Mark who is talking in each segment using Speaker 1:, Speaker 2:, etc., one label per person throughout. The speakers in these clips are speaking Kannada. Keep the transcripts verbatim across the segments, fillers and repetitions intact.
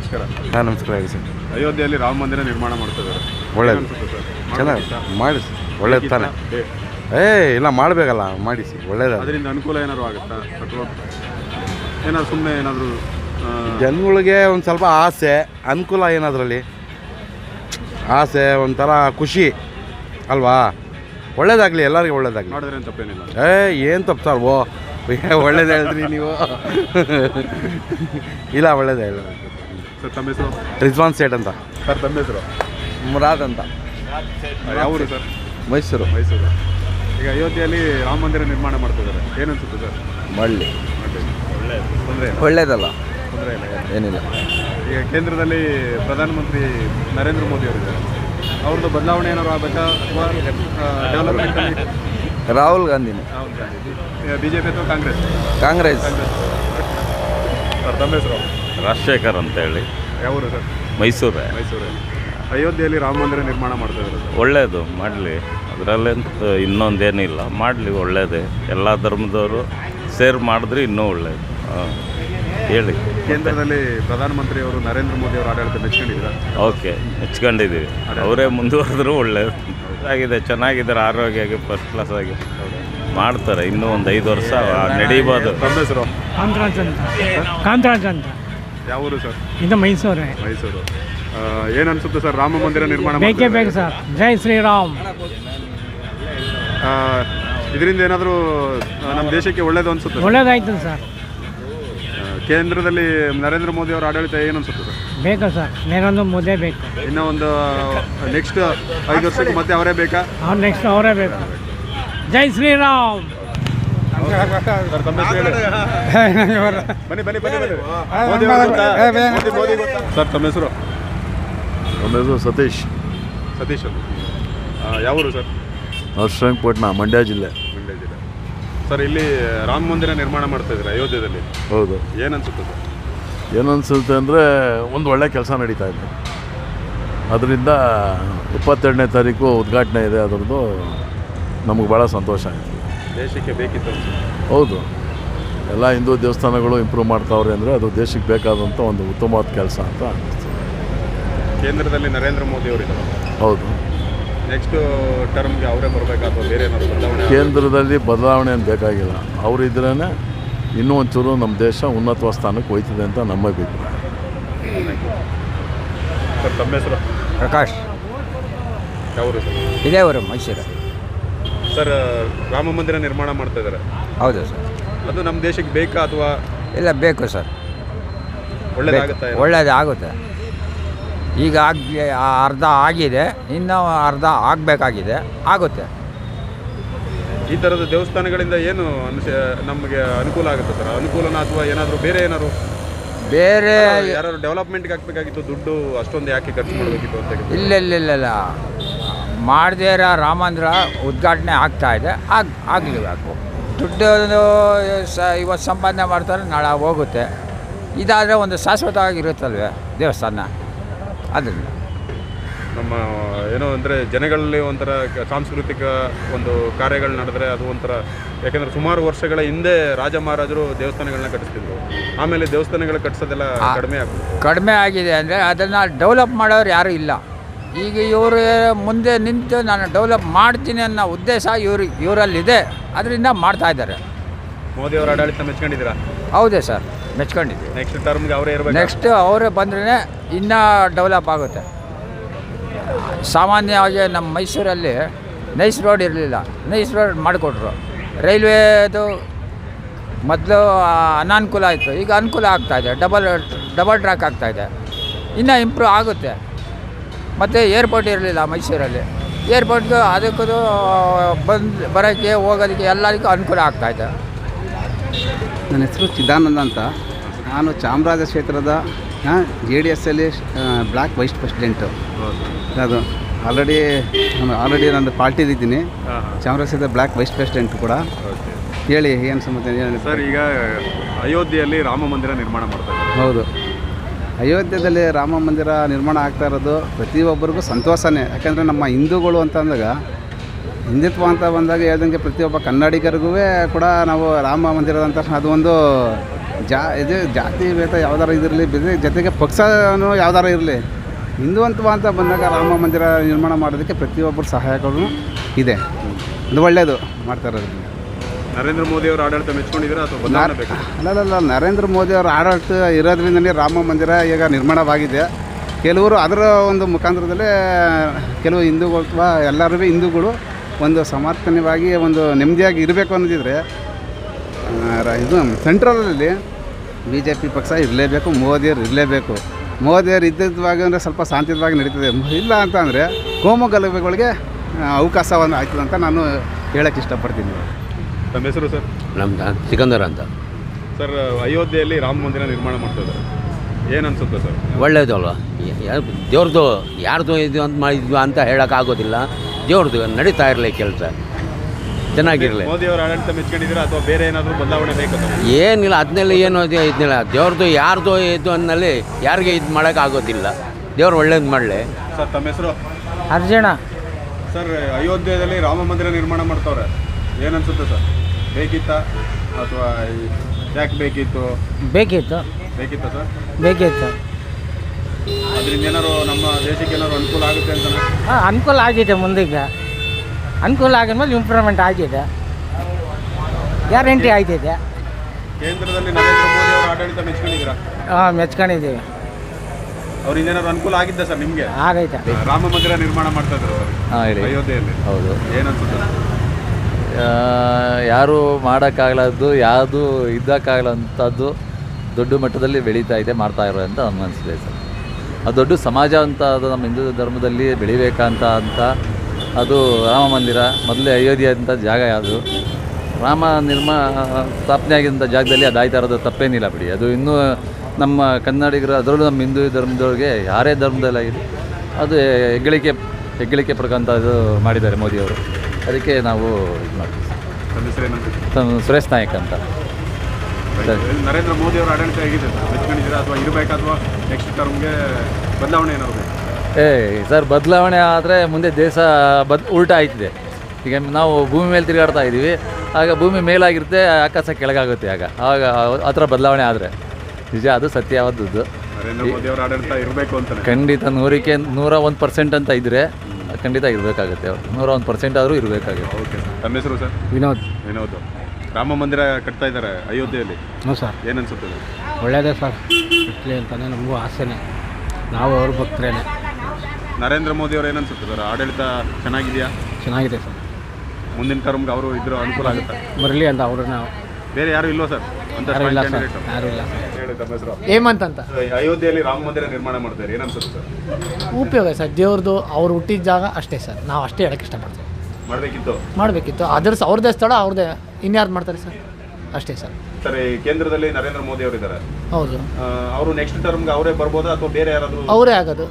Speaker 1: ನಮಸ್ಕಾರ.
Speaker 2: ಹಾಂ ನಮಸ್ಕಾರ ಹೇಳಿ ಸರ್.
Speaker 1: ಅಯೋಧ್ಯೆಯಲ್ಲಿ ರಾಮ ಮಂದಿರ ನಿರ್ಮಾಣ ಮಾಡ್ತಿದ್ದಾರೆ,
Speaker 2: ಒಳ್ಳೇದು ಚೆನ್ನಾಗಿ ಮಾಡಿ ಒಳ್ಳೇದು ತಾನೆ. ಏ ಇಲ್ಲ ಮಾಡಬೇಕಲ್ಲ ಮಾಡಿಸಿ ಒಳ್ಳೇದು.
Speaker 1: ಅದರಿಂದ ಅನುಕೂಲ ಏನಾದ್ರು ಆಗುತ್ತಾ ಅಥವಾ ಏನಾದ್ರು ಸುಮ್ಮನೆ ಏನಾದರೂ
Speaker 2: ಜನಗಳಿಗೆ ಒಂದು ಸ್ವಲ್ಪ ಆಸೆ ಅನುಕೂಲ ಏನದ್ರಲ್ಲಿ ಆಸೆ ಒಂಥರ ಖುಷಿ ಅಲ್ವಾ? ಒಳ್ಳೇದಾಗಲಿ ಎಲ್ಲರಿಗೂ ಒಳ್ಳೇದಾಗಲಿ.
Speaker 1: ಮಾಡಿದ್ರೆ ಏನು ತಪ್ಪೇನಿಲ್ಲ.
Speaker 2: ಏ ಏನು ತಪ್ಪು ಸರ್ ಓ ಒಳ್ಳೇದು ಹೇಳಿದ್ರಿ ನೀವು. ಇಲ್ಲ ಒಳ್ಳೇದೇ ಇಲ್ಲ.
Speaker 1: ಸರ್ ತಮ್ಮ ಹೆಸರು?
Speaker 2: ರಿಜ್ವಾನ್ ಸೇಠ್ ಅಂತ.
Speaker 1: ಸರ್ ತಮ್ಮ ಹೆಸರು?
Speaker 2: ಮುರಾದ್ ಅಂತ.
Speaker 1: ಯಾವ ಊರು ಸರ್?
Speaker 2: ಮೈಸೂರು.
Speaker 1: ಮೈಸೂರು. ಈಗ ಅಯೋಧ್ಯೆಯಲ್ಲಿ ರಾಮ ಮಂದಿರ ನಿರ್ಮಾಣ ಮಾಡ್ತಿದ್ದಾರೆ, ಏನು ಅನ್ಸುತ್ತೆ ಸರ್?
Speaker 2: ಮಾಡಲಿ
Speaker 1: ತೊಂದರೆ ಇಲ್ಲ.
Speaker 2: ಒಳ್ಳೇದಲ್ಲ,
Speaker 1: ತೊಂದರೆ ಇಲ್ಲ
Speaker 2: ಏನಿಲ್ಲ.
Speaker 1: ಈಗ ಕೇಂದ್ರದಲ್ಲಿ ಪ್ರಧಾನಮಂತ್ರಿ ನರೇಂದ್ರ ಮೋದಿ ಅವರಿದ್ದಾರೆ, ಅವ್ರದ್ದು ಬದಲಾವಣೆ ಏನಾದ್ರು ಆಗಬೇಕಾ ಅಥವಾ ಡೆವಲಪ್ಮೆಂಟಲ್ಲಿ?
Speaker 2: ರಾಹುಲ್ ಗಾಂಧಿನೇ.
Speaker 1: Rahul Gandhi. B J P ಅಥವಾ ಕಾಂಗ್ರೆಸ್?
Speaker 2: ಕಾಂಗ್ರೆಸ್.
Speaker 1: ಸರ್ ತಮ್ಮ ಹೆಸರು?
Speaker 3: ರಾಜಶೇಖರ್ ಅಂತೇಳಿ.
Speaker 1: ಯಾವ ಊರು ಸರ್?
Speaker 3: ಮೈಸೂರೇ.
Speaker 1: ಮೈಸೂರು. ಅಯೋಧ್ಯೆಯಲ್ಲಿ ರಾಮ ಮಂದಿರ ನಿರ್ಮಾಣ ಮಾಡ್ತಿದ್ದಾರೆ ಸರ್,
Speaker 3: ಒಳ್ಳೆಯದು ಮಾಡಲಿ, ಅದರಲ್ಲಂತೂ ಇನ್ನೊಂದೇನಿಲ್ಲ, ಮಾಡಲಿ ಒಳ್ಳೆಯದೇ. ಎಲ್ಲ ಧರ್ಮದವರು ಸೇರಿ ಮಾಡಿದ್ರೆ ಇನ್ನೂ ಒಳ್ಳೆಯದು. ಹಾಂ ಹೇಳಿ.
Speaker 1: ಕೇಂದ್ರದಲ್ಲಿ ಪ್ರಧಾನಮಂತ್ರಿ ಅವರು ನರೇಂದ್ರ ಮೋದಿ ಅವರು ಆಡಳಿತ ಮೆಚ್ಕೊಂಡಿದ್ದೀರಾ?
Speaker 3: ಓಕೆ ಮೆಚ್ಕೊಂಡಿದ್ದೀವಿ, ಅವರೇ ಮುಂದುವರೆದ್ರೂ ಒಳ್ಳೆಯದು ಆಗಿದೆ, ಚೆನ್ನಾಗಿದ್ದಾರೆ, ಆರೋಗ್ಯ ಆಗಿ ಫಸ್ಟ್ ಕ್ಲಾಸ್ ಆಗಿ ಮಾಡ್ತಾರೆ. ಇನ್ನೂ ಒಂದು ಐದು ವರ್ಷ ನಡೀಬೋದು.
Speaker 1: ತಮ್ಮ ಹೆಸರು?
Speaker 4: ಕಾಂತರಾಜ್ ಅಂತ. ಕಾಂತರಾಜ್ ಅಂತ.
Speaker 1: ಯಾವ ಊರು ಸರ್?
Speaker 4: ಇದು ಮೈಸೂರೇ.
Speaker 1: ಮೈಸೂರು. ಏನು ಅನಿಸುತ್ತೆ ಸರ್ ರಾಮ ಮಂದಿರ ನಿರ್ಮಾಣ?
Speaker 4: ಬೇಕೇ ಬೇಕು ಸರ್. ಜೈ ಶ್ರೀರಾಮ್.
Speaker 1: ಇದರಿಂದ ಏನಾದರೂ ನಮ್ಮ ದೇಶಕ್ಕೆ ಒಳ್ಳೇದು ಅನಿಸುತ್ತೆ?
Speaker 4: ಒಳ್ಳೇದಾಯ್ತು ಸರ್.
Speaker 1: ಕೇಂದ್ರದಲ್ಲಿ ನರೇಂದ್ರ ಮೋದಿ ಅವರ ಆಡಳಿತ ಏನು ಅನಿಸುತ್ತೆ ಸರ್?
Speaker 4: ಬೇಕು ಸರ್, ನರೇಂದ್ರ ಮೋದಿ ಬೇಕು.
Speaker 1: ಇನ್ನೂ ಒಂದು ನೆಕ್ಸ್ಟ್ ಐದು ವರ್ಷಕ್ಕೆ ಮತ್ತೆ ಅವರೇ ಬೇಕಾ?
Speaker 4: ಅವ್ರು ನೆಕ್ಸ್ಟ್ ಅವರೇ ಬೇಕು. ಜೈ ಶ್ರೀರಾಮ್.
Speaker 1: ಸರ್ ತಮ್ಮ ಹೆಸರು ಹೇಳಿ. ಬನ್ನಿ ಬನ್ನಿ ಬನ್ನಿ ಬನ್ನಿ. ಮೋದಿ ಅವರು ಗೊತ್ತಾ? ಮೋದಿ ಮೋದಿ ಗೊತ್ತಾ? ಸರ್ ತಮ್ಮ ಹೆಸರು?
Speaker 2: ನಮ್ಮ ಹೆಸರು ಸತೀಶ್.
Speaker 1: ಸತೀಶ್ ಅವರು. ಯಾವ ಊರು ಸರ್?
Speaker 2: ನಾವು ಶ್ರೀರಂಗಪಟ್ಟಣ, ಮಂಡ್ಯ ಜಿಲ್ಲೆ.
Speaker 1: ಮಂಡ್ಯ ಜಿಲ್ಲೆ. ಸರ್ ಇಲ್ಲಿ ರಾಮ ಮಂದಿರ ನಿರ್ಮಾಣ ಮಾಡ್ತಾ ಇದ್ದಾರೆ ಅಯೋಧ್ಯೆಯಲ್ಲಿ,
Speaker 2: ಹೌದು.
Speaker 1: ಏನು ಅನ್ಸುತ್ತೆ ಸರ್?
Speaker 2: ಏನು ಅನಿಸುತ್ತೆ ಅಂದರೆ ಒಂದು ಒಳ್ಳೆ ಕೆಲಸ ನಡೀತಾ ಇದೆ. ಅದರಿಂದ ಇಪ್ಪತ್ತೆರಡನೇ ತಾರೀಕು ಉದ್ಘಾಟನೆ ಇದೆ, ಅದರದ್ದು ನಮಗೆ ಭಾಳ ಸಂತೋಷ ಆಯಿತು.
Speaker 1: ದೇಶಕ್ಕೆ ಬೇಕಿತ್ತು ಅನ್ಸುತ್ತೆ.
Speaker 2: ಹೌದು, ಎಲ್ಲ ಹಿಂದೂ ದೇವಸ್ಥಾನಗಳು ಇಂಪ್ರೂವ್ ಮಾಡ್ತಾವ್ರೆ ಅಂದರೆ ಅದು ದೇಶಕ್ಕೆ ಬೇಕಾದಂಥ ಒಂದು ಉತ್ತಮವಾದ ಕೆಲಸ ಅಂತ ಅನ್ನಿಸ್ತು.
Speaker 1: ಕೇಂದ್ರದಲ್ಲಿ ನರೇಂದ್ರ ಮೋದಿ ಅವರಿದ್ದಾರೆ,
Speaker 2: ಹೌದು.
Speaker 1: ನೆಕ್ಸ್ಟ್ ಟರ್ಮ್ಗೆ ಅವರೇ ಬರಬೇಕಾ ಅಥವಾ ಬೇರೆ ಏನಾದರೂ ಬದಲಾವಣೆ?
Speaker 2: ಕೇಂದ್ರದಲ್ಲಿ ಬದಲಾವಣೆ ಏನು ಬೇಕಾಗಿಲ್ಲ, ಅವರಿದ್ರೇ ಇನ್ನೂ ಒಂಚೂರು ನಮ್ಮ ದೇಶ ಉನ್ನತ ಸ್ಥಾನಕ್ಕೆ ಹೋಯ್ತದೆ ಅಂತ ನಮ್ಮ ಅಭಿಪ್ರಾಯ.
Speaker 1: ಸರ್ ತಮ್ಮ ಹೆಸರು?
Speaker 5: ಪ್ರಕಾಶ್.
Speaker 1: ಯಾವ ಊರು ಸರ್?
Speaker 5: ಇದೇ ಊರು, ಮೈಸೂರು.
Speaker 1: ಸರ್ ರಾಮ ಮಂದಿರ ನಿರ್ಮಾಣ ಮಾಡ್ತಾ ಇದ್ದಾರೆ,
Speaker 5: ಹೌದು ಸರ್.
Speaker 1: ಅದು ನಮ್ಮ ದೇಶಕ್ಕೆ ಬೇಕಾ ಅಥವಾ
Speaker 5: ಇಲ್ಲ ಬೇಕು ಸರ್,
Speaker 1: ಒಳ್ಳೇದಾಗುತ್ತಾ?
Speaker 5: ಒಳ್ಳೇದು ಆಗುತ್ತೆ. ಈಗ ಆಗಿ ಅರ್ಧ ಆಗಿದೆ, ಇನ್ನೂ ಅರ್ಧ ಆಗಬೇಕಾಗಿದೆ, ಆಗುತ್ತೆ.
Speaker 1: ಈ ಥರದ ದೇವಸ್ಥಾನಗಳಿಂದ ಏನು ಅನ್ಸ ನಮಗೆ ಅನುಕೂಲ ಆಗುತ್ತೆ ಸರ್? ಅನುಕೂಲನ ಅಥವಾ ಏನಾದರೂ ಬೇರೆ ಏನಾದ್ರು
Speaker 5: ಬೇರೆ
Speaker 1: ಯಾರು ಡೆವಲಪ್ಮೆಂಟ್ಗೆ ಹಾಕಬೇಕಾಗಿತ್ತು ದುಡ್ಡು, ಅಷ್ಟೊಂದು ಯಾಕೆ ಖರ್ಚು ಮಾಡಬೇಕಿತ್ತು ಅಂತ?
Speaker 5: ಇಲ್ಲ ಇಲ್ಲ ಇಲ್ಲ ಇಲ್ಲ ಮಾಡದೇ ಇರೋ ರಾಮ ಮಂದಿರ ಉದ್ಘಾಟನೆ ಆಗ್ತಾ ಇದೆ, ಆಗ ಆಗಲೇಬೇಕು. ದುಡ್ಡು ಸ ಇವತ್ತು ಸಂಪಾದನೆ ಮಾಡ್ತಾರೆ, ನಾಳೆ ಹೋಗುತ್ತೆ. ಇದಾದರೆ ಒಂದು ಶಾಶ್ವತವಾಗಿರುತ್ತಲ್ವೇ ದೇವಸ್ಥಾನ, ಅದರಿಂದ
Speaker 1: ನಮ್ಮ ಏನೋ ಅಂದರೆ ಜನಗಳಲ್ಲಿ ಒಂಥರ ಸಾಂಸ್ಕೃತಿಕ ಒಂದು ಕಾರ್ಯಗಳು ನಡೆದ್ರೆ ಅದು ಒಂಥರ, ಯಾಕೆಂದರೆ ಸುಮಾರು ವರ್ಷಗಳ ಹಿಂದೆ ರಾಜ ಮಹಾರಾಜರು ದೇವಸ್ಥಾನಗಳನ್ನ ಕಟ್ಟಿಸ್ತಿದ್ರು, ಆಮೇಲೆ ದೇವಸ್ಥಾನಗಳು ಕಟ್ಟಿಸೋದೆಲ್ಲ ಕಡಿಮೆ ಆಗ್ತದೆ.
Speaker 5: ಕಡಿಮೆ ಆಗಿದೆ ಅಂದರೆ ಅದನ್ನು ಡೆವಲಪ್ ಮಾಡೋರು ಯಾರೂ ಇಲ್ಲ. ಈಗ ಇವರು ಮುಂದೆ ನಿಂತು ನಾನು ಡೆವಲಪ್ ಮಾಡ್ತೀನಿ ಅನ್ನೋ ಉದ್ದೇಶ ಇವ್ರು ಇವರಲ್ಲಿದೆ, ಅದರಿಂದ ಮಾಡ್ತಾಯಿದ್ದಾರೆ.
Speaker 1: ಮೋದಿ ಅವರ ಆಡಳಿತ ಮೆಚ್ಕೊಂಡಿದ್ದೀರಾ?
Speaker 5: ಹೌದೇ ಸರ್, ಮೆಚ್ಕೊಂಡಿದ್ದೀವಿ.
Speaker 1: ನೆಕ್ಸ್ಟ್ ಟರ್ಮ್ಗೆ ಅವರೇ ಇರಬೇಕು.
Speaker 5: ನೆಕ್ಸ್ಟ್ ಅವರೇ ಬಂದ್ರೇ ಇನ್ನೂ ಡೆವಲಪ್ ಆಗುತ್ತೆ. ಸಾಮಾನ್ಯವಾಗಿ ನಮ್ಮ ಮೈಸೂರಲ್ಲಿ ನೈಸ್ ರೋಡ್ ಇರಲಿಲ್ಲ, ನೈಸ್ ರೋಡ್ ಮಾಡಿಕೊಟ್ರು. ರೈಲ್ವೇದು ಮೊದಲು ಅನಾನುಕೂಲ ಆಯಿತು, ಈಗ ಅನುಕೂಲ ಆಗ್ತಾಯಿದೆ. ಡಬಲ್ ಡಬಲ್ ಟ್ರ್ಯಾಕ್ ಆಗ್ತಾಯಿದೆ, ಇನ್ನೂ ಇಂಪ್ರೂವ್ ಆಗುತ್ತೆ. ಮತ್ತು ಏರ್ಪೋರ್ಟ್ ಇರಲಿಲ್ಲ ಮೈಸೂರಲ್ಲಿ, ಏರ್ಪೋರ್ಟ್ಗೆ ಅದಕ್ಕೂ ಬಂದು ಬರೋಕ್ಕೆ ಹೋಗೋದಕ್ಕೆ ಎಲ್ಲದಕ್ಕೂ ಅನುಕೂಲ ಆಗ್ತಾಯಿದೆ.
Speaker 6: ನನ್ನ ಹೆಸರು ಚಿದಾನಂದ ಅಂತ. ನಾನು ಚಾಮರಾಜ ಕ್ಷೇತ್ರದ ಜೆ ಡಿ ಎಸ್ಸಲ್ಲಿ ಬ್ಲ್ಯಾಕ್ ವೈಸ್ ಪ್ರೆಸಿಡೆಂಟು. ಅದು ಆಲ್ರೆಡಿ ನಾನು ಆಲ್ರೆಡಿ ನಾನು ಪಾರ್ಟಿಲಿದ್ದೀನಿ, ಚಾಮರಾಜ ಕ್ಷೇತ್ರದ ಬ್ಲ್ಯಾಕ್ ವೈಸ್ ಪ್ರೆಸಿಡೆಂಟ್ ಕೂಡ. ಹೇಳಿ ಏನು ಸಮಾಚಾರ
Speaker 1: ಸರ್? ಈಗ ಅಯೋಧ್ಯೆಯಲ್ಲಿ ರಾಮ ಮಂದಿರ ನಿರ್ಮಾಣ ಮಾಡ್ತಾ ಇದ್ದಾರೆ,
Speaker 6: ಹೌದು. ಅಯೋಧ್ಯೆಯಲ್ಲಿ ರಾಮ ಮಂದಿರ ನಿರ್ಮಾಣ ಆಗ್ತಾ ಇರೋದು ಪ್ರತಿಯೊಬ್ಬರಿಗೂ ಸಂತೋಷನೇ. ಯಾಕಂದರೆ ನಮ್ಮ ಹಿಂದೂಗಳು ಅಂತ ಅಂದಾಗ, ಹಿಂದುತ್ವ ಅಂತ ಬಂದಾಗ ಹೇಳ್ದಂಗೆ ಪ್ರತಿಯೊಬ್ಬ ಕನ್ನಡಿಗರಿಗೂ ಕೂಡ ನಾವು ರಾಮ ಮಂದಿರದ ಅಂತ ಅದು ಒಂದು ಜಾ ಇದು ಜಾತಿ ಭೇದ ಯಾವ್ದಾರ ಇದಿರಲಿ ಬೇರೆ ಜೊತೆಗೆ ಪಕ್ಷನೂ ಯಾವ್ದಾರ ಇರಲಿ ಹಿಂದುತ್ವ ಅಂತ ಬಂದಾಗ ರಾಮ ಮಂದಿರ ನಿರ್ಮಾಣ ಮಾಡೋದಕ್ಕೆ ಪ್ರತಿಯೊಬ್ಬರು ಸಹಾಯಕರು ಇದೆ. ಅದು ಒಳ್ಳೆಯದು ಮಾಡ್ತಾ ಇರೋದು.
Speaker 1: ನರೇಂದ್ರ ಮೋದಿ ಅವರ ಆಡಳಿತ ಮೆಚ್ಕೊಂಡಿದ್ದೀರಾ ಅಥವಾ ಬದಲಾವಣೆ ಬೇಕಾ?
Speaker 6: ಅಲ್ಲಲ್ಲ ನರೇಂದ್ರ ಮೋದಿ ಅವರ ಆಡಳಿತ ಇರೋದ್ರಿಂದಲೇ ರಾಮ ಮಂದಿರ ಈಗ ನಿರ್ಮಾಣವಾಗಿದೆ. ಕೆಲವರು ಅದರ ಒಂದು ಮುಖಾಂತರದಲ್ಲೇ ಕೆಲವು ಹಿಂದೂಗಳು ಅಥವಾ ಎಲ್ಲರೂ ಹಿಂದೂಗಳು ಒಂದು ಸಮರ್ಥನವಾಗಿ ಒಂದು ನೆಮ್ಮದಿಯಾಗಿ ಇರಬೇಕು ಅನ್ನೋದಿದ್ರೆ ಇದು ಸೆಂಟ್ರಲಲ್ಲಿ ಬಿ ಜೆ ಪಿ ಪಕ್ಷ ಇರಲೇಬೇಕು, ಮೋದಿಯವರು ಇರಲೇಬೇಕು. ಮೋದಿಯವರು ಇದ್ದಿದ್ದವಾಗಿ ಅಂದರೆ ಸ್ವಲ್ಪ ಶಾಂತಿಯುತವಾಗಿ ನಡೀತದೆ. ಇಲ್ಲ ಅಂತ ಅಂದರೆ ಕೋಮು ಗಲಭೆಗಳಿಗೆ ಅವಕಾಶವನ್ನು ಆಯ್ತದೆ ಅಂತ ನಾನು ಹೇಳೋಕ್ಕೆ ಇಷ್ಟಪಡ್ತೀನಿ.
Speaker 1: ತಮ್ಮ ಹೆಸರು ಸರ್?
Speaker 7: ನಮ್ಮ ಸಿಕಂದರ್ ಅಂತ.
Speaker 1: ಸರ್, ಅಯೋಧ್ಯೆಯಲ್ಲಿ ರಾಮ ಮಂದಿರ ನಿರ್ಮಾಣ ಮಾಡ್ತಿದ್ದಾರೆ, ಏನು ಅನ್ಸುತ್ತೆ ಸರ್?
Speaker 7: ಒಳ್ಳೆಯದು ಅಲ್ವಾ? ದೇವ್ರದ್ದು ಯಾರ್ದು ಇದು ಅಂತ ಮಾಡಿದ್ವಿ ಅಂತ ಹೇಳೋಕ್ಕಾಗೋದಿಲ್ಲ. ದೇವ್ರದ್ದು ನಡೀತಾ ಇರಲಿ ಕೆಲಸ ಚೆನ್ನಾಗಿರಲಿ.
Speaker 1: ಮೋದಿ ಅವರ ಆಡಳಿತ ಮೆಚ್ಕೊಂಡಿದ್ದೀರಾ ಅಥವಾ ಬೇರೆ ಏನಾದರೂ ಬದಲಾವಣೆ ಬೇಕಾ?
Speaker 7: ಏನಿಲ್ಲ, ಅದನ್ನೆಲ್ಲ ಏನು ಇದನ್ನೆಲ್ಲ ದೇವ್ರದ್ದು ಯಾರ್ದು ಇದು ಅನ್ನಲ್ಲಿ ಯಾರಿಗೆ ಇದು ಮಾಡೋಕ್ಕಾಗೋದಿಲ್ಲ. ದೇವ್ರು ಒಳ್ಳೇದು ಮಾಡಲಿ.
Speaker 1: ಸರ್, ತಮ್ಮ ಹೆಸರು?
Speaker 4: ಅರ್ಜುನ.
Speaker 1: ಸರ್, ಅಯೋಧ್ಯೆಯಲ್ಲಿ ರಾಮ ಮಂದಿರ ನಿರ್ಮಾಣ ಮಾಡ್ತವ್ರೆ, ಏನು ಅನ್ಸುತ್ತೆ ಸರ್? ಬೇಕಿತ್ತಾ ಅಥವಾ ಯಾಕೆ ಬೇಕಿತ್ತು?
Speaker 4: ಬೇಕಿತ್ತು
Speaker 1: ಬೇಕಿತ್ತಾ ಸರ್?
Speaker 4: ಬೇಕಿತ್ತು.
Speaker 1: ಅದರಿಂದ ಏನಾದ್ರು ನಮ್ಮ ದೇಶಕ್ಕೆ ಏನಾದ್ರು ಅನುಕೂಲ ಆಗುತ್ತೆ ಅಂತ?
Speaker 4: ಹಾಂ, ಅನುಕೂಲ ಆಗಿದೆ. ಮುಂದಕ್ಕೆ ಅನುಕೂಲ ಆಗಿದ್ಮೇಲೆ ಇಂಪ್ರೂವ್ಮೆಂಟ್ ಆಗಿದೆ, ಗ್ಯಾರಂಟಿ ಆಗಿದೆ.
Speaker 1: ಕೇಂದ್ರದಲ್ಲಿ ನರೇಂದ್ರ ಮೋದಿ ಅವರ ಆಡಳಿತ ಮೆಚ್ಕೊಂಡಿದ್ದೀರಾ?
Speaker 4: ಹಾಂ, ಮೆಚ್ಕೊಂಡಿದ್ದೀವಿ.
Speaker 1: ಅವ್ರಿಂದ ಏನಾದ್ರು ಅನುಕೂಲ ಆಗಿದ್ದ ಸರ್ ನಿಮಗೆ?
Speaker 4: ಆಗೈತೆ.
Speaker 1: ರಾಮ ಮಂದಿರ ನಿರ್ಮಾಣ ಮಾಡ್ತಾ ಇದ್ರು ಸರ್
Speaker 2: ಹಾಂ ಹೇಳಿ.
Speaker 1: ಅಯೋಧ್ಯೆಯಲ್ಲಿ.
Speaker 2: ಹೌದು.
Speaker 1: ಏನನ್ಸುತ್ತೆ?
Speaker 2: ಯಾರು ಮಾಡೋಕ್ಕಾಗಲದ್ದು, ಯಾವುದು ಇದ್ದಕ್ಕಾಗಲಂಥದ್ದು ದೊಡ್ಡ ಮಟ್ಟದಲ್ಲಿ ಬೆಳೀತಾ ಇದೆ, ಮಾಡ್ತಾ ಇರೋ ಅಂತ ನಮ್ಗೆ ಅನಿಸಿದೆ ಸರ್. ಅದು ದೊಡ್ಡ ಸಮಾಜ ಅಂತ, ಅದು ನಮ್ಮ ಹಿಂದೂ ಧರ್ಮದಲ್ಲಿ ಬೆಳಿಬೇಕಂತ ಅಂತ ಅದು ರಾಮ ಮಂದಿರ. ಮೊದಲೇ ಅಯೋಧ್ಯೆ ಅಂತ ಜಾಗ ಯಾವುದು ರಾಮ ನಿರ್ಮಾ ಸ್ಥಾಪನೆ ಆಗಿದ್ದಂಥ ಜಾಗದಲ್ಲಿ ಅದು ಆಯ್ತಾ ಇರೋದು ತಪ್ಪೇನಿಲ್ಲ ಬಿಡಿ. ಅದು ಇನ್ನೂ ನಮ್ಮ ಕನ್ನಡಿಗರು, ಅದರಲ್ಲೂ ನಮ್ಮ ಹಿಂದೂ ಧರ್ಮದವ್ರಿಗೆ ಯಾರೇ ಧರ್ಮದಲ್ಲಾಗಿದೆ ಅದು ಹೆಗ್ಗಳಿಕೆ ಹೆಗ್ಗಳಿಕೆ ಪಡ್ಕೊಂಥದ್ದು ಮಾಡಿದ್ದಾರೆ ಮೋದಿಯವರು. ಅದಕ್ಕೆ ನಾವು ಇದು ಮಾಡ್ತೀವಿ.
Speaker 1: ನನ್ನ ಹೆಸರು ಏನಂತ?
Speaker 2: ತಮ್ಮ ಸುರೇಶ್ ನಾಯಕ್ ಅಂತ.
Speaker 1: ನರೇಂದ್ರ ಮೋದಿ ಅವರ ಆಡಳಿತ ಹೇಗಿದೆ ಸರ್? ಮೆಚ್ಕೊಂಡಿದ್ದೀರಾ ಅಥವಾ ಇರಬೇಕಾ ಅಥವಾ ನೆಕ್ಸ್ಟ್ ಟರ್ಮ್ಗೆ ಬದಲಾವಣೆ ಏನಾದ್ರು ಬೇಕು?
Speaker 2: ಏ ಸರ್, ಬದಲಾವಣೆ ಆದರೆ ಮುಂದೆ ದೇಶ ಬದ್ ಉಲ್ಟಾ ಆಯ್ತಿದೆ. ಈಗ ನಾವು ಭೂಮಿ ಮೇಲೆ ತಿರುಗಾಡ್ತಾ ಇದ್ದೀವಿ, ಆಗ ಭೂಮಿ ಮೇಲಾಗಿರುತ್ತೆ, ಆಕಾಶ ಕೆಳಗಾಗುತ್ತೆ. ಆಗ ಆಗ ಆ ಥರ ಬದಲಾವಣೆ ಆದರೆ ನಿಜ, ಅದು ಸತ್ಯವಾದದ್ದು.
Speaker 1: ನರೇಂದ್ರ ಮೋದಿ ಅವರ ಆಡಳಿತ ಇರಬೇಕು ಅಂತ
Speaker 2: ಖಂಡಿತ ನೂರಕ್ಕೆ ನೂರ ಒಂದು ಪರ್ಸೆಂಟ್ ಅಂತ ಇದ್ದರೆ ಖಂಡಿತ ಇರಬೇಕಾಗುತ್ತೆ. ಅವರು ನೂರ ಒಂದು ಪರ್ಸೆಂಟ್ ಆದರೂ ಇರಬೇಕಾಗುತ್ತೆ.
Speaker 1: Okay sir. ತಮ್ಮ ಹೆಸರು ಸರ್?
Speaker 5: ವಿನೋದ್.
Speaker 1: ವಿನೋದ್. ರಾಮ ಮಂದಿರ ಕಟ್ತಾ ಇದ್ದಾರೆ ಅಯೋಧ್ಯೆಯಲ್ಲಿ,
Speaker 5: ಹ್ಞೂ ಸರ್.
Speaker 1: ಏನು ಅನ್ಸುತ್ತದೆ?
Speaker 5: ಒಳ್ಳೆಯದೇ ಸರ್, ಇರಲಿ ಅಂತಲೇ ನಮಗೂ ಆಸೆನೇ, ನಾವು ಅವ್ರ ಭಕ್ತರೇನೆ.
Speaker 1: ನರೇಂದ್ರ ಮೋದಿ ಅವರು ಏನು ಅನ್ಸುತ್ತೆ ಸರ್? ಆಡಳಿತ ಚೆನ್ನಾಗಿದೆಯಾ?
Speaker 5: ಚೆನ್ನಾಗಿದೆ ಸರ್.
Speaker 1: ಮುಂದಿನ ಟರ್ಮ್ಗೆ ಅವರು ಇದ್ರ ಅನುಕೂಲ ಆಗುತ್ತೆ?
Speaker 5: ಬರಲಿ ಅಂತ ಅವ್ರನ್ನ
Speaker 1: ಬೇರೆ ಯಾರು ಇಲ್ವಾ ಸರ್ ಅಂತ?
Speaker 5: ಯಾರು ಇಲ್ಲ ಸರ್, ಯಾರು ಇಲ್ಲ ಸರ್.
Speaker 1: ಹೇಳಿ ತಮ್ಮ ಹೆಸರು?
Speaker 4: ಹೇಮಂತ್ ಅಂತ.
Speaker 1: ಅಯೋಧ್ಯೆಯಲ್ಲಿ ರಾಮ ಮಂದಿರ ನಿರ್ಮಾಣ ಮಾಡ್ತಾರೆ, ಏನು ಅನ್ಸುತ್ತೆ ಸರ್?
Speaker 4: ಉಪಯೋಗ ಸರ್, ದೇವ್ರದ್ದು ಅವ್ರು ಹುಟ್ಟಿದ ಜಾಗ ಅಷ್ಟೇ ಸರ್. ನಾವು ಅಷ್ಟೇ ಹೇಳಕ್ಕೆ ಇಷ್ಟಪಡ್ತೀವಿ.
Speaker 1: ಮಾಡಬೇಕಿತ್ತು
Speaker 4: ಮಾಡಬೇಕಿತ್ತು. ಅದ್ರ ಅವ್ರದ್ದೇ ಸ್ಥಳ, ಅವ್ರದ್ದೇ, ಇನ್ಯಾರು ಮಾಡ್ತಾರೆ ಸರ್? ಅಷ್ಟೇ ಸರ್.
Speaker 1: ಸರ್, ಈ ಕೇಂದ್ರದಲ್ಲಿ ನರೇಂದ್ರ ಮೋದಿ ಅವರು ಇದ್ದಾರೆ,
Speaker 4: ಹೌದು.
Speaker 1: ಅವರು ನೆಕ್ಸ್ಟ್ ಟರ್ಮ್ಗೆ ಅವರೇ ಬರ್ಬೋದಾ ಅಥವಾ ಬೇರೆ ಯಾರಾದರೂ?
Speaker 4: ಅವರೇ ಆಗೋದು,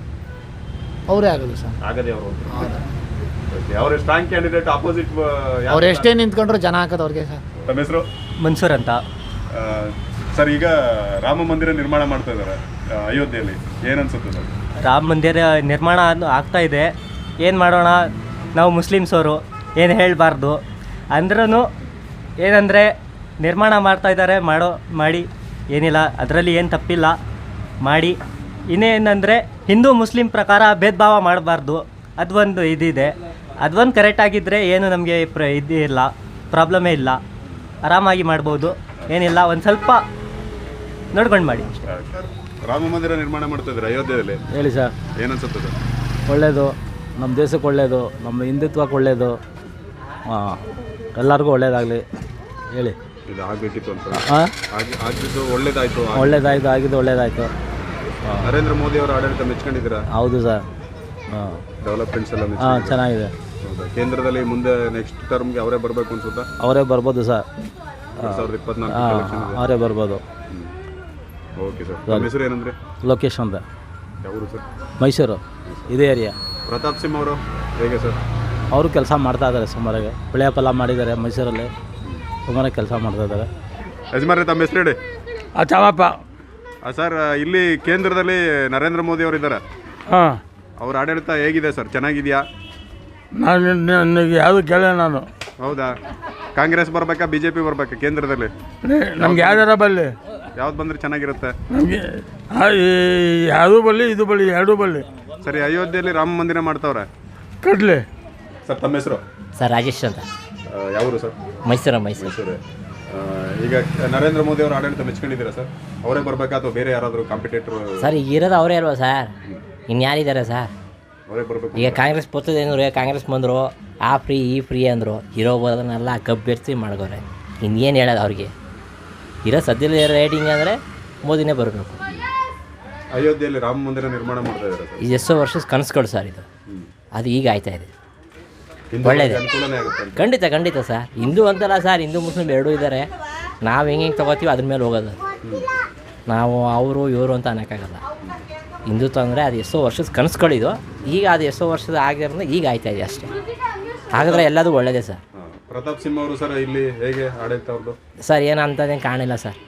Speaker 4: ಅವರೇ ಆಗೋದು ಸರ್.
Speaker 1: ಆಗದೆ ಅವರು.
Speaker 4: ಹೌದು.
Speaker 1: ಅವರ ಸ್ಟ್ರಾಂಗ್ ಕ್ಯಾಂಡಿಡೇಟ್ ಆಪೋಸಿಟ್.
Speaker 4: ಅವ್ರು ಎಷ್ಟೇ ನಿಂತ್ಕೊಂಡ್ರು ಜನ ಹಾಕೋದು ಅವ್ರಿಗೆ ಸರ್.
Speaker 1: ತಮ್ಮ ಹೆಸರು?
Speaker 8: ಮನ್ಸೂರ್ ಅಂತ.
Speaker 1: ಸರ್, ಈಗ ರಾಮ ಮಂದಿರ ನಿರ್ಮಾಣ ಮಾಡ್ತಾ ಇದ್ದಾರೆ ಅಯೋಧ್ಯೆಯಲ್ಲಿ, ಏನು ಅನ್ಸುತ್ತೆ ಸರ್?
Speaker 8: ರಾಮ ಮಂದಿರ ನಿರ್ಮಾಣ ಆಗ್ತಾ ಇದೆ. ಏನು ಮಾಡೋಣ, ನಾವು ಮುಸ್ಲಿಮ್ಸವರು ಏನು ಹೇಳಬಾರ್ದು. ಅಂದ್ರೂ ಏನಂದರೆ ನಿರ್ಮಾಣ ಮಾಡ್ತಾ ಇದ್ದಾರೆ, ಮಾಡೋ ಮಾಡಿ ಏನಿಲ್ಲ, ಅದರಲ್ಲಿ ಏನು ತಪ್ಪಿಲ್ಲ, ಮಾಡಿ. ಇನ್ನೇನಂದರೆ ಹಿಂದೂ ಮುಸ್ಲಿಂ ಪ್ರಕಾರ ಭೇದ ಭಾವ ಮಾಡಬಾರ್ದು, ಅದೊಂದು ಇದಿದೆ. ಅದೊಂದು ಕರೆಕ್ಟಾಗಿದ್ದರೆ ಏನು ನಮಗೆ ಪ್ರ ಇದಿಲ್ಲ, ಪ್ರಾಬ್ಲಮೇ ಇಲ್ಲ, ಆರಾಮಾಗಿ ಮಾಡ್ಬೋದು, ಏನಿಲ್ಲ. ಒಂದು ಸ್ವಲ್ಪ ನೋಡ್ಕೊಂಡು ಮಾಡಿ.
Speaker 1: ರಾಮ ಮಂದಿರ ನಿರ್ಮಾಣ ಮಾಡ್ತಾ ಇದ್ದಾರೆ ಅಯೋಧ್ಯೆಯಲ್ಲಿ,
Speaker 2: ಹೇಳಿ ಸರ್.
Speaker 1: ಏನು ಅನ್ಸುತ್ತೆ ಸರ್?
Speaker 2: ಒಳ್ಳೆಯದು, ನಮ್ಮ ದೇಶಕ್ಕೆ ಒಳ್ಳೆಯದು, ನಮ್ಮ ಹಿಂದುತ್ವಕ್ಕೆ ಒಳ್ಳೆಯದು, ಹಾಂ, ಎಲ್ಲರಿಗೂ ಒಳ್ಳೇದಾಗಲಿ. ಹೇಳಿ.
Speaker 1: ಇದು ಆಗಬೇಕಿತ್ತು ಅಂತ.
Speaker 2: ಹಾಂ,
Speaker 1: ಆಗಿದ್ದು ಒಳ್ಳೇದಾಯಿತು.
Speaker 2: ಒಳ್ಳೇದಾಯಿತು, ಆಗಿದ್ದು ಒಳ್ಳೇದಾಯಿತು.
Speaker 1: ನರೇಂದ್ರ ಮೋದಿ ಅವರ ಆಡಳಿತ ಮೆಚ್ಕೊಂಡಿದ್ದೀರಾ?
Speaker 2: ಹೌದು ಸರ್. ಹಾಂ,
Speaker 1: ಡೆವಲಪ್ಮೆಂಟ್ಸ್ ಎಲ್ಲ
Speaker 2: ಹಾಂ, ಚೆನ್ನಾಗಿದೆ.
Speaker 1: ಹೌದಾ? ಕೇಂದ್ರದಲ್ಲಿ ಮುಂದೆ ನೆಕ್ಸ್ಟ್ ಟರ್ಮ್ಗೆ ಅವರೇ ಬರಬೇಕು ಅನ್ಸುತ್ತಾ?
Speaker 2: ಅವರೇ ಬರ್ಬೋದು ಸರ್.
Speaker 1: ಎರಡು ಸಾವಿರದ ಇಪ್ಪತ್ನಾಲ್ಕು
Speaker 2: ಹಾಂ,
Speaker 1: ಎಲೆಕ್ಷನ್ ಇದೆ.
Speaker 2: ಅವರೇ ಬರ್ಬೋದು.
Speaker 1: Okay sir. ನಿಮ್ಮ ಹೆಸರು ಏನಂದ್ರೆ?
Speaker 2: ಲೊಕೇಶನ್ ಅಂತ.
Speaker 1: ಯಾವರು ಸರ್?
Speaker 2: ಮೈಸೂರು, ಇದೇ ಏರಿಯಾ.
Speaker 1: ಪ್ರತಾಪ್ ಸಿಂಹ ಅವರು ಹೇಗೆ ಸರ್?
Speaker 2: ಅವರು ಕೆಲಸ ಮಾಡ್ತಾ ಇದ್ದಾರೆ ಸುಮಾರಾಗಿ. ಬೆಳೆ ಫಲ ಮಾಡಿದ್ದಾರೆ ಮೈಸೂರಲ್ಲಿ, ಸುಮಾರಾಗಿ ಕೆಲಸ ಮಾಡ್ತಾ ಇದ್ದಾರೆ.
Speaker 1: ಯಜಮಾನ್ರೆ, ತಮ್ಮ ಹೆಸರು ಹೇಳಿ.
Speaker 4: ಚಾಮಪ್ಪ.
Speaker 1: ಸರ್, ಇಲ್ಲಿ ಕೇಂದ್ರದಲ್ಲಿ ನರೇಂದ್ರ ಮೋದಿ ಅವರು ಇದ್ದಾರೆ,
Speaker 4: ಹಾಂ.
Speaker 1: ಅವ್ರ ಆಡಳಿತ ಹೇಗಿದೆ ಸರ್? ಚೆನ್ನಾಗಿದೆಯಾ?
Speaker 4: ನಾನು ನನಗೆ ಯಾವುದು ಕೇಳ ನಾನು
Speaker 1: ಹೌದಾ? ಕಾಂಗ್ರೆಸ್ ಬರ್ಬೇಕಾ ಬಿ ಜೆ ಪಿ ಬರ್ಬೇಕಾ ಕೇಂದ್ರದಲ್ಲಿ?
Speaker 9: ನಮ್ಗೆ ಯಾವ್ದಾರ ಬರಲಿ,
Speaker 1: ಯಾವ್ದು ಬಂದ್ರೆ ಚೆನ್ನಾಗಿರುತ್ತೆ?
Speaker 9: ನಮಗೆ ಯಾವುದೂ ಬರಲಿ, ಇದು ಬರಲಿ, ಎರಡೂ ಬರಲಿ.
Speaker 1: ಸರಿ, ಅಯೋಧ್ಯೆಯಲ್ಲಿ ರಾಮ ಮಂದಿರ ಮಾಡ್ತಾವ್ರೆ,
Speaker 9: ಕಟ್ಲಿ.
Speaker 1: ಸರ್ ತಮ್ಮ ಹೆಸರು?
Speaker 8: ಸರ್ ರಾಜೇಶ್ ಅಂತ,
Speaker 1: ಯಾವರು ಸರ್?
Speaker 8: ಮೈಸೂರು ಮೈಸೂರು
Speaker 1: ಮೈಸೂರು. ಈಗ ನರೇಂದ್ರ ಮೋದಿ ಅವರು ಆಡಳಿತ ಮೆಚ್ಕೊಂಡಿದ್ದೀರಾ ಸರ್? ಅವರೇ ಬರ್ಬೇಕಾ ಅಥವಾ ಬೇರೆ ಯಾರಾದರೂ ಕಾಂಪಿಟೇಟರ್?
Speaker 8: ಸರ್ ಈಗ ಇರೋದು ಅವರೇ ಅಲ್ವಾ ಸರ್, ಇನ್ಯಾರಿದ್ದಾರೆ ಸರ್?
Speaker 1: ಅವರೇ ಬರಬೇಕು.
Speaker 8: ಈಗ ಕಾಂಗ್ರೆಸ್ ಬರ್ತದೆ ಅಂದ್ರೆ ಕಾಂಗ್ರೆಸ್ ಬಂದರು ಆ ಫ್ರೀ ಈ ಫ್ರೀ ಅಂದರು, ಇರೋ ಬರೋದನ್ನೆಲ್ಲ ಕಬ್ಬೆರ್ಸಿ ಮಾಡ್ಕೋರೆ. ಇನ್ನೇನು ಹೇಳೋದು ಅವ್ರಿಗೆ? ಇರೋ ಸದ್ಯದಲ್ಲಿ ರೇಟಿಂಗ್ ಅಂದರೆ ಮೋದಿನೇ ಬರಬೇಕು.
Speaker 1: ಅಯೋಧ್ಯೆಯಲ್ಲಿ ರಾಮ ಮಂದಿರ ನಿರ್ಮಾಣ ಮಾಡ್ತಾ ಇದ್ದಾರೆ ಸರ್.
Speaker 8: ಇದು ಎಷ್ಟೋ ವರ್ಷದ ಕನಸುಗಳು ಸರ್ ಇದು, ಅದು ಈಗ ಆಯ್ತಾ ಇದೆ. ಒಳ್ಳೇದು,
Speaker 1: ಅನುಕೂಲನೇ ಆಗುತ್ತೆ.
Speaker 8: ಖಂಡಿತ ಖಂಡಿತ ಸರ್. ಹಿಂದೂ ಅಂತಲ್ಲ ಸರ್, ಹಿಂದೂ ಮುಸ್ಲಿಮ್ ಎರಡೂ ಇದ್ದಾರೆ. ನಾವು ಹೆಂಗೆ ಹೆಂಗೆ ತೊಗೋತೀವಿ ಅದ್ರ ಮೇಲೆ ಹೋಗೋದು. ನಾವು ಅವರು ಇವರು ಅಂತ ಅನ್ನೋಕ್ಕಾಗಲ್ಲ. ಹಿಂದುತ್ವ ಅಂದರೆ ಅದು ಎಷ್ಟೋ ವರ್ಷದ ಕನಸುಗಳಿದು, ಈಗ ಅದು ಎಷ್ಟೋ ವರ್ಷದ ಆಗಿರೋದ್ರಿಂದ ಈಗ ಆಯ್ತಾ ಇದೆ ಅಷ್ಟೇ. ಹಾಗಾದರೆ ಎಲ್ಲದೂ ಒಳ್ಳೆಯದೇ ಸರ್.
Speaker 1: ಪ್ರತಾಪ್ ಸಿಂಹ ಅವರು ಸರ್ ಇಲ್ಲಿ ಹೇಗೆ ಆಡಳಿತ ಅವ್ರದ್ದು?
Speaker 8: ಸರ್ ಏನಂತದೇನು ಕಾಣಿಲ್ಲ ಸರ್,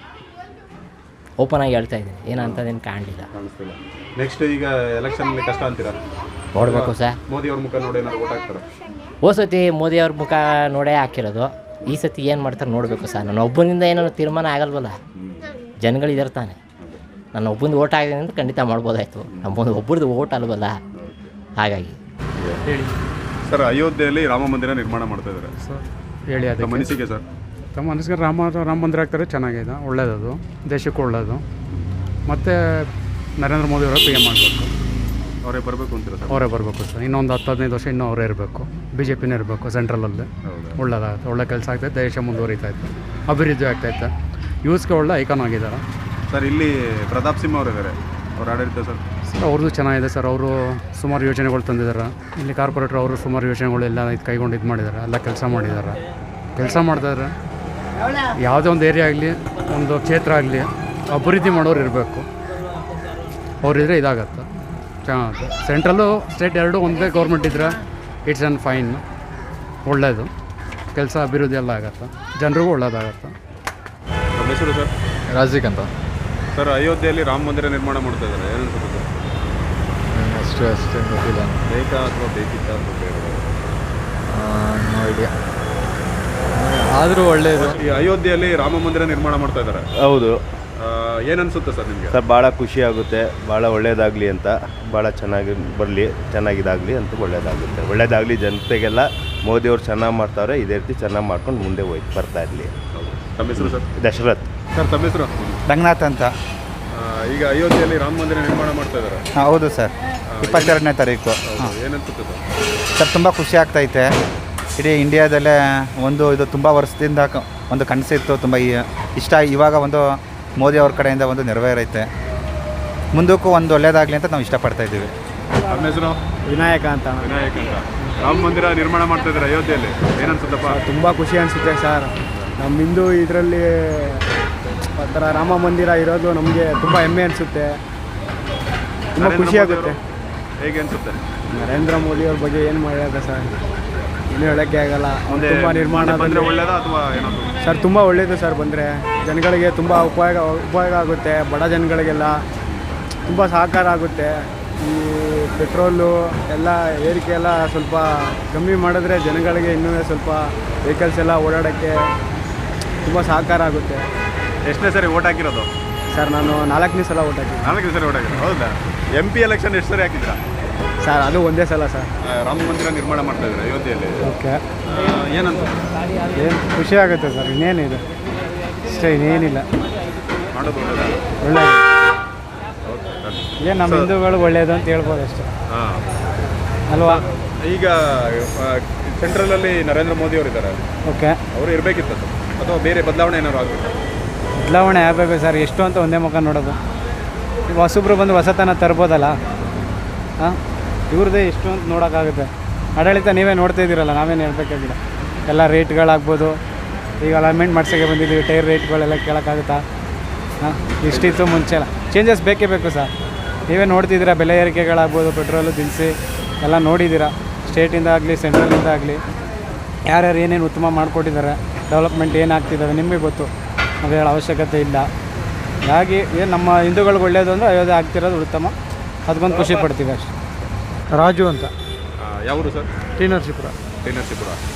Speaker 8: ಓಪನ್ ಆಗಿ ಹೇಳ್ತಾ ಇದ್ದೀನಿ, ಏನಂತದೇನು ಕಾಣಲಿಲ್ಲ.
Speaker 1: ಕಾಣಿಸ್ತಿಲ್ಲ. ನೆಕ್ಸ್ಟ್ ಈಗ ಎಲೆಕ್ಷನಲ್ಲಿ ಕಷ್ಟ ಅಂತೀರಾ?
Speaker 8: ನೋಡಬೇಕು ಸರ್.
Speaker 1: ಮೋದಿ ಅವ್ರ ಮುಖ ನೋಡಿ ಏನಾದ್ರು ಓಟ್ ಹಾಕ್ತಾರೆ?
Speaker 8: ಹೋದ ಸತಿ ಮೋದಿ ಅವ್ರ ಮುಖ ನೋಡೇ ಹಾಕಿರೋದು, ಈ ಸತಿ ಏನು ಮಾಡ್ತಾರೆ ನೋಡಬೇಕು ಸರ್. ನನ್ನ ಒಬ್ಬನಿಂದ ಏನೋ ತೀರ್ಮಾನ ಆಗಲ್ವಲ್ಲ, ಜನಗಳಿದ್ದಾರೆ ತಾನೆ. ನನ್ನ ಒಬ್ಬಂದು ಓಟ್ ಆಗಿದೆ ಅಂತ ಖಂಡಿತ ಮಾಡ್ಬೋದಾಯ್ತು, ನಮ್ಮೊಂದು ಒಬ್ಬರದ್ದು ಓಟ್ ಅಲ್ವಲ್ಲ, ಹಾಗಾಗಿ.
Speaker 10: ಹೇಳಿ
Speaker 1: ಸರ್, ಅಯೋಧ್ಯೆಯಲ್ಲಿ ರಾಮ ಮಂದಿರ ನಿರ್ಮಾಣ ಮಾಡ್ತಾ ಇದ್ದಾರೆ
Speaker 10: ಸರ್, ಹೇಳಿ. ಅದು
Speaker 1: ತಮ್ಮ ಅನಿಸಿಕೆ ಸರ್?
Speaker 10: ತಮ್ಮ ಅನಿಸಿಕೆ ರಾಮ ರಾಮ ಮಂದಿರ ಆಗ್ತಾರೆ, ಚೆನ್ನಾಗಿದೆ, ಒಳ್ಳೆಯದು, ದೇಶಕ್ಕೂ ಒಳ್ಳೆಯದು. ಮತ್ತು ನರೇಂದ್ರ ಮೋದಿ ಅವರ ಪಿ ಎಮ್ ಮಾಡಬೇಕು,
Speaker 1: ಅವರೇ ಬರಬೇಕು ಅಂತೀರಾ ಸರ್?
Speaker 10: ಅವರೇ ಬರಬೇಕು ಸರ್. ಇನ್ನೊಂದು ಹತ್ತು ಹದಿನೈದು ವರ್ಷ ಇನ್ನೂ ಅವರೇ ಇರಬೇಕು, ಬಿ ಜೆ ಪಿನೇ ಇರಬೇಕು ಸೆಂಟ್ರಲಲ್ಲಿ. ಒಳ್ಳೆದಾಗುತ್ತೆ, ಒಳ್ಳೆ ಕೆಲಸ ಆಗ್ತೈತೆ, ದೇಶ ಮುಂದುವರಿತಾ ಇತ್ತು, ಅಭಿವೃದ್ಧಿ ಆಗ್ತೈತೆ, ಯೂಸ್ಗೆ ಒಳ್ಳೆ ಐಕಾನ್ ಆಗಿದ್ದಾರೆ
Speaker 1: ಸರ್. ಇಲ್ಲಿ ಪ್ರತಾಪ್ ಸಿಂಹ ಅವರು ಇದ್ದಾರೆ, ಅವ್ರ ಆಡಳಿತ ಸರ್?
Speaker 10: ಸರ್ ಅವ್ರದ್ದು ಚೆನ್ನಾಗಿದೆ ಸರ್. ಅವರು ಸುಮಾರು ಯೋಜನೆಗಳು ತಂದಿದ್ದಾರೆ. ಇಲ್ಲಿ ಕಾರ್ಪೊರೇಟ್ರ್ ಅವರು ಸುಮಾರು ಯೋಜನೆಗಳು ಎಲ್ಲ ಇದು ಕೈಗೊಂಡು ಇದು ಮಾಡಿದ್ದಾರೆ, ಎಲ್ಲ ಕೆಲಸ ಮಾಡಿದ್ದಾರೆ, ಕೆಲಸ ಮಾಡ್ತಾಯಿದ್ದಾರೆ. ಯಾವುದೇ ಒಂದು ಏರಿಯಾ ಆಗಲಿ, ಒಂದು ಕ್ಷೇತ್ರ ಆಗಲಿ, ಅಭಿವೃದ್ಧಿ ಮಾಡೋರು ಇರಬೇಕು, ಅವರಿದ್ರೆ ಇದಾಗತ್ತೆ, ಚೆನ್ನಾಗುತ್ತೆ. ಸೆಂಟ್ರಲ್ಲು ಸ್ಟೇಟ್ ಎರಡೂ ಒಂದೇ ಗೌರ್ಮೆಂಟ್ ಇದ್ದರೆ ಇಟ್ಸ್ ಆ್ಯಂಡ್ ಫೈನ್, ಒಳ್ಳೆಯದು, ಕೆಲಸ ಅಭಿವೃದ್ಧಿ ಎಲ್ಲ ಆಗುತ್ತೆ, ಜನರಿಗೂ ಒಳ್ಳೆಯದಾಗತ್ತೆ.
Speaker 1: ನಮ್ಮ ಹೆಸರು ಸರ್?
Speaker 2: ರಾಜಿಕ್ ಅಂತ
Speaker 1: ಸರ್. ಅಯೋಧ್ಯೆಯಲ್ಲಿ ರಾಮ ಮಂದಿರ ನಿರ್ಮಾಣ ಮಾಡ್ತಾ ಇದ್ದಾರೆ, ಏನು ಅನ್ಸುತ್ತೆ ಸರ್?
Speaker 2: ಅಷ್ಟು ಅಷ್ಟೇ ಗೊತ್ತಿಲ್ಲ,
Speaker 1: ಬೇಕಾ ಅಥವಾ ಬೇಕಿತ್ತ ಅಥವಾ ಬೇಡ?
Speaker 2: ಐಡಿಯಾ. ಆದರೂ ಒಳ್ಳೆಯದು.
Speaker 1: ಈ ಅಯೋಧ್ಯೆಯಲ್ಲಿ ರಾಮ ಮಂದಿರ ನಿರ್ಮಾಣ ಮಾಡ್ತಾ ಇದ್ದಾರೆ,
Speaker 11: ಹೌದು.
Speaker 1: ಏನು ಅನ್ಸುತ್ತೆ ಸರ್ ನಿಮಗೆ?
Speaker 11: ಸರ್ ಭಾಳ ಖುಷಿ ಆಗುತ್ತೆ, ಭಾಳ ಒಳ್ಳೇದಾಗಲಿ ಅಂತ, ಭಾಳ ಚೆನ್ನಾಗಿ ಬರಲಿ, ಚೆನ್ನಾಗಿದಾಗಲಿ ಅಂತ ಒಳ್ಳೇದಾಗುತ್ತೆ, ಒಳ್ಳೇದಾಗಲಿ ಜನತೆಗೆಲ್ಲ. ಮೋದಿಯವ್ರು ಚೆನ್ನಾಗಿ ಮಾಡ್ತಾವ್ರೆ, ಇದೇ ರೀತಿ ಚೆನ್ನಾಗಿ ಮಾಡ್ಕೊಂಡು ಮುಂದೆ ಹೋಯ್ತು ಬರ್ತಾ ಇರಲಿ.
Speaker 1: ತಮ್ಮ ಹೆಸರು ಸರ್?
Speaker 11: ದಶರಥ್.
Speaker 1: ಸರ್ ತಮ್ಮ ಹೆಸರು?
Speaker 12: ರಂಗನಾಥ್ ಅಂತ.
Speaker 1: ಈಗ ಅಯೋಧ್ಯೆಯಲ್ಲಿ ರಾಮ ಮಂದಿರ ನಿರ್ಮಾಣ ಮಾಡ್ತಾ ಇದ್ದಾರೆ.
Speaker 12: ಹೌದು ಸರ್, ಇಪ್ಪತ್ತೆರಡನೇ ತಾರೀಕು.
Speaker 1: ಏನನ್ಸುತ್ತೆ ಸರ್?
Speaker 12: ಸರ್ ತುಂಬ ಖುಷಿ ಆಗ್ತೈತೆ. ಇಡೀ ಇಂಡಿಯಾದಲ್ಲೇ ಒಂದು ಇದು ತುಂಬ ವರ್ಷದಿಂದ ಒಂದು ಕನಸಿತ್ತು, ತುಂಬ ಇಷ್ಟ. ಇವಾಗ ಒಂದು ಮೋದಿ ಅವ್ರ ಕಡೆಯಿಂದ ಒಂದು ನೆರವೇರೈತೆ, ಮುಂದಕ್ಕೂ ಒಂದು ಒಳ್ಳೇದಾಗಲಿ ಅಂತ ನಾವು ಇಷ್ಟಪಡ್ತಾ ಇದ್ದೀವಿ.
Speaker 1: ನಮ್ಮ ಹೆಸರು?
Speaker 10: ವಿನಾಯಕ ಅಂತ.
Speaker 1: ವಿನಾಯಕ ಅಂತ. ರಾಮ ಮಂದಿರ ನಿರ್ಮಾಣ ಮಾಡ್ತಾ ಇದ್ದಾರೆ ಅಯೋಧ್ಯೆಯಲ್ಲಿ, ಏನನ್ಸುತ್ತಪ್ಪ?
Speaker 10: ತುಂಬ ಖುಷಿ ಅನಿಸುತ್ತೆ ಸರ್. ನಮ್ಮ ಹಿಂದೂ ಇದರಲ್ಲಿ ಆ ಥರ ರಾಮ ಮಂದಿರ ಇರೋದು ನಮಗೆ ತುಂಬ ಹೆಮ್ಮೆ ಅನಿಸುತ್ತೆ, ತುಂಬ ಖುಷಿ ಆಗುತ್ತೆ.
Speaker 1: ಹೇಗೆ ಅನಿಸುತ್ತೆ?
Speaker 10: ನರೇಂದ್ರ ಮೋದಿ ಅವ್ರ ಬಗ್ಗೆ ಏನು ಮಾಡೋದ ಸರ್, ಏನು ಹೇಳೋಕ್ಕೆ ಆಗಲ್ಲ. ತುಂಬ ನಿರ್ಮಾಣ
Speaker 1: ಬಂದರೆ ಒಳ್ಳೇದಾ ಅಥವಾ ಏನಾದರೂ?
Speaker 10: ಸರ್ ತುಂಬ ಒಳ್ಳೆಯದು ಸರ್, ಬಂದರೆ ಜನಗಳಿಗೆ ತುಂಬ ಉಪಯೋಗ ಉಪಯೋಗ ಆಗುತ್ತೆ, ಬಡ ಜನಗಳಿಗೆಲ್ಲ ತುಂಬ ಸಹಕಾರ ಆಗುತ್ತೆ. ಈ ಪೆಟ್ರೋಲು ಎಲ್ಲ ಏರಿಕೆ ಎಲ್ಲ ಸ್ವಲ್ಪ ಕಮ್ಮಿ ಮಾಡಿದ್ರೆ ಜನಗಳಿಗೆ ಇನ್ನೂ ಸ್ವಲ್ಪ ವೆಹಿಕಲ್ಸ್ ಎಲ್ಲ ಓಡಾಡೋಕ್ಕೆ ತುಂಬ ಸಹಕಾರ ಆಗುತ್ತೆ.
Speaker 1: ಎಷ್ಟನೇ ಸರಿ ಓಟ್ ಹಾಕಿರೋದು
Speaker 10: ಸರ್? ನಾನು ನಾಲ್ಕನೇ ಸಲ ಓಟ್ ಹಾಕಿದ್ದೆ.
Speaker 1: ನಾಲ್ಕನೇ ಸರಿ ಓಟ್ ಹಾಕಿರೋದು, ಹೌದಾ? ಎಂ ಪಿ ಎಲೆಕ್ಷನ್ ಎಷ್ಟು ಸರಿ ಹಾಕಿದ್ರಾ
Speaker 10: ಸರ್? ಅದು ಒಂದೇ ಸಲ ಸರ್.
Speaker 1: ರಾಮ ಮಂದಿರ ನಿರ್ಮಾಣ ಮಾಡ್ತಾ ಇದ್ದಾರೆ ಅಯೋಧ್ಯೆಯಲ್ಲಿ,
Speaker 10: ಓಕೆ.
Speaker 1: ಏನಂತ?
Speaker 10: ಏನು ಖುಷಿ ಆಗುತ್ತೆ ಸರ್, ಇನ್ನೇನಿದೆ ಅಷ್ಟೇ, ಇನ್ನೇನಿಲ್ಲ.
Speaker 1: ಮಾಡೋದು ಒಳ್ಳೆಯದಾ?
Speaker 10: ಒಳ್ಳೆಯದು. ಏನು ನಮ್ಮ ಹಿಂದೂಗಳು ಒಳ್ಳೆಯದು ಅಂತ ಹೇಳ್ಬೋದು ಅಷ್ಟೇ,
Speaker 1: ಹಾಂ
Speaker 10: ಅಲ್ವಾ?
Speaker 1: ಈಗ ಸೆಂಟ್ರಲಲ್ಲಿ ನರೇಂದ್ರ ಮೋದಿ ಅವರು ಇದ್ದಾರೆ,
Speaker 10: ಓಕೆ.
Speaker 1: ಅವರು ಇರಬೇಕಿತ್ತು ಅಥವಾ ಬೇರೆ ಬದಲಾವಣೆ ಏನಾದ್ರು ಆಗಬೇಕು?
Speaker 10: ಬದಲಾವಣೆ ಆಗಬೇಕು ಸರ್, ಎಷ್ಟು ಅಂತ ಒಂದೇ ಮುಖ ನೋಡೋದು. ಈಗ ಹೊಸಬ್ರು ಬಂದು ಹೊಸತನ ತರ್ಬೋದಲ್ಲ, ಹಾಂ? ಇವ್ರದ್ದೇ ಎಷ್ಟು ಅಂತ ನೋಡೋಕ್ಕಾಗುತ್ತೆ. ಆಡಳಿತ ನೀವೇ ನೋಡ್ತಾ ಇದ್ದೀರಲ್ಲ, ನಾವೇನು ಹೇಳ್ಬೇಕಾಗಿಲ್ಲ. ಎಲ್ಲ ರೇಟ್ಗಳಾಗ್ಬೋದು, ಈಗ ಅಲೈನ್ಮೆಂಟ್ ಮಾಡ್ಸೋಕ್ಕೆ ಬಂದಿದ್ದೀವಿ, ಟೈರ್ ರೇಟ್ಗಳೆಲ್ಲ ಕೇಳೋಕ್ಕಾಗುತ್ತಾ? ಹಾಂ, ಇಷ್ಟಿತ್ತು ಮುಂಚೆ ಎಲ್ಲ ಚೇಂಜಸ್ ಬೇಕೇ ಬೇಕು ಸರ್. ನೀವೇ ನೋಡ್ತಿದ್ದೀರಾ, ಬೆಲೆ ಏರಿಕೆಗಳಾಗ್ಬೋದು, ಪೆಟ್ರೋಲು ದಿನಸಿ ಎಲ್ಲ ನೋಡಿದ್ದೀರಾ. ಸ್ಟೇಟಿಂದ ಆಗಲಿ ಸೆಂಟ್ರಲಿಂದ ಆಗಲಿ ಯಾರ್ಯಾರು ಏನೇನು ಉತ್ತಮ ಮಾಡಿಕೊಟ್ಟಿದ್ದಾರೆ, ಡೆವಲಪ್ಮೆಂಟ್ ಏನಾಗ್ತಿದ್ದಾವೆ ನಿಮಗೆ ಗೊತ್ತು, ಅದು ಹೇಳೋ ಅವಶ್ಯಕತೆ ಇಲ್ಲ. ಹಾಗಾಗಿ ಏನು ನಮ್ಮ ಹಿಂದೂಗಳಿಗೆ ಒಳ್ಳೆಯದು ಅಂದರೆ ಅಯೋಧ್ಯೆ ಆಗ್ತಿರೋದು ಉತ್ತಮ, ಅದಕ್ಕೊಂದು ಖುಷಿ ಪಡ್ತೀವಿ ಅಷ್ಟೇ. ರಾಜು ಅಂತ.
Speaker 1: ಯಾವರು sir?
Speaker 10: T Narasipura.
Speaker 1: T Narasipura.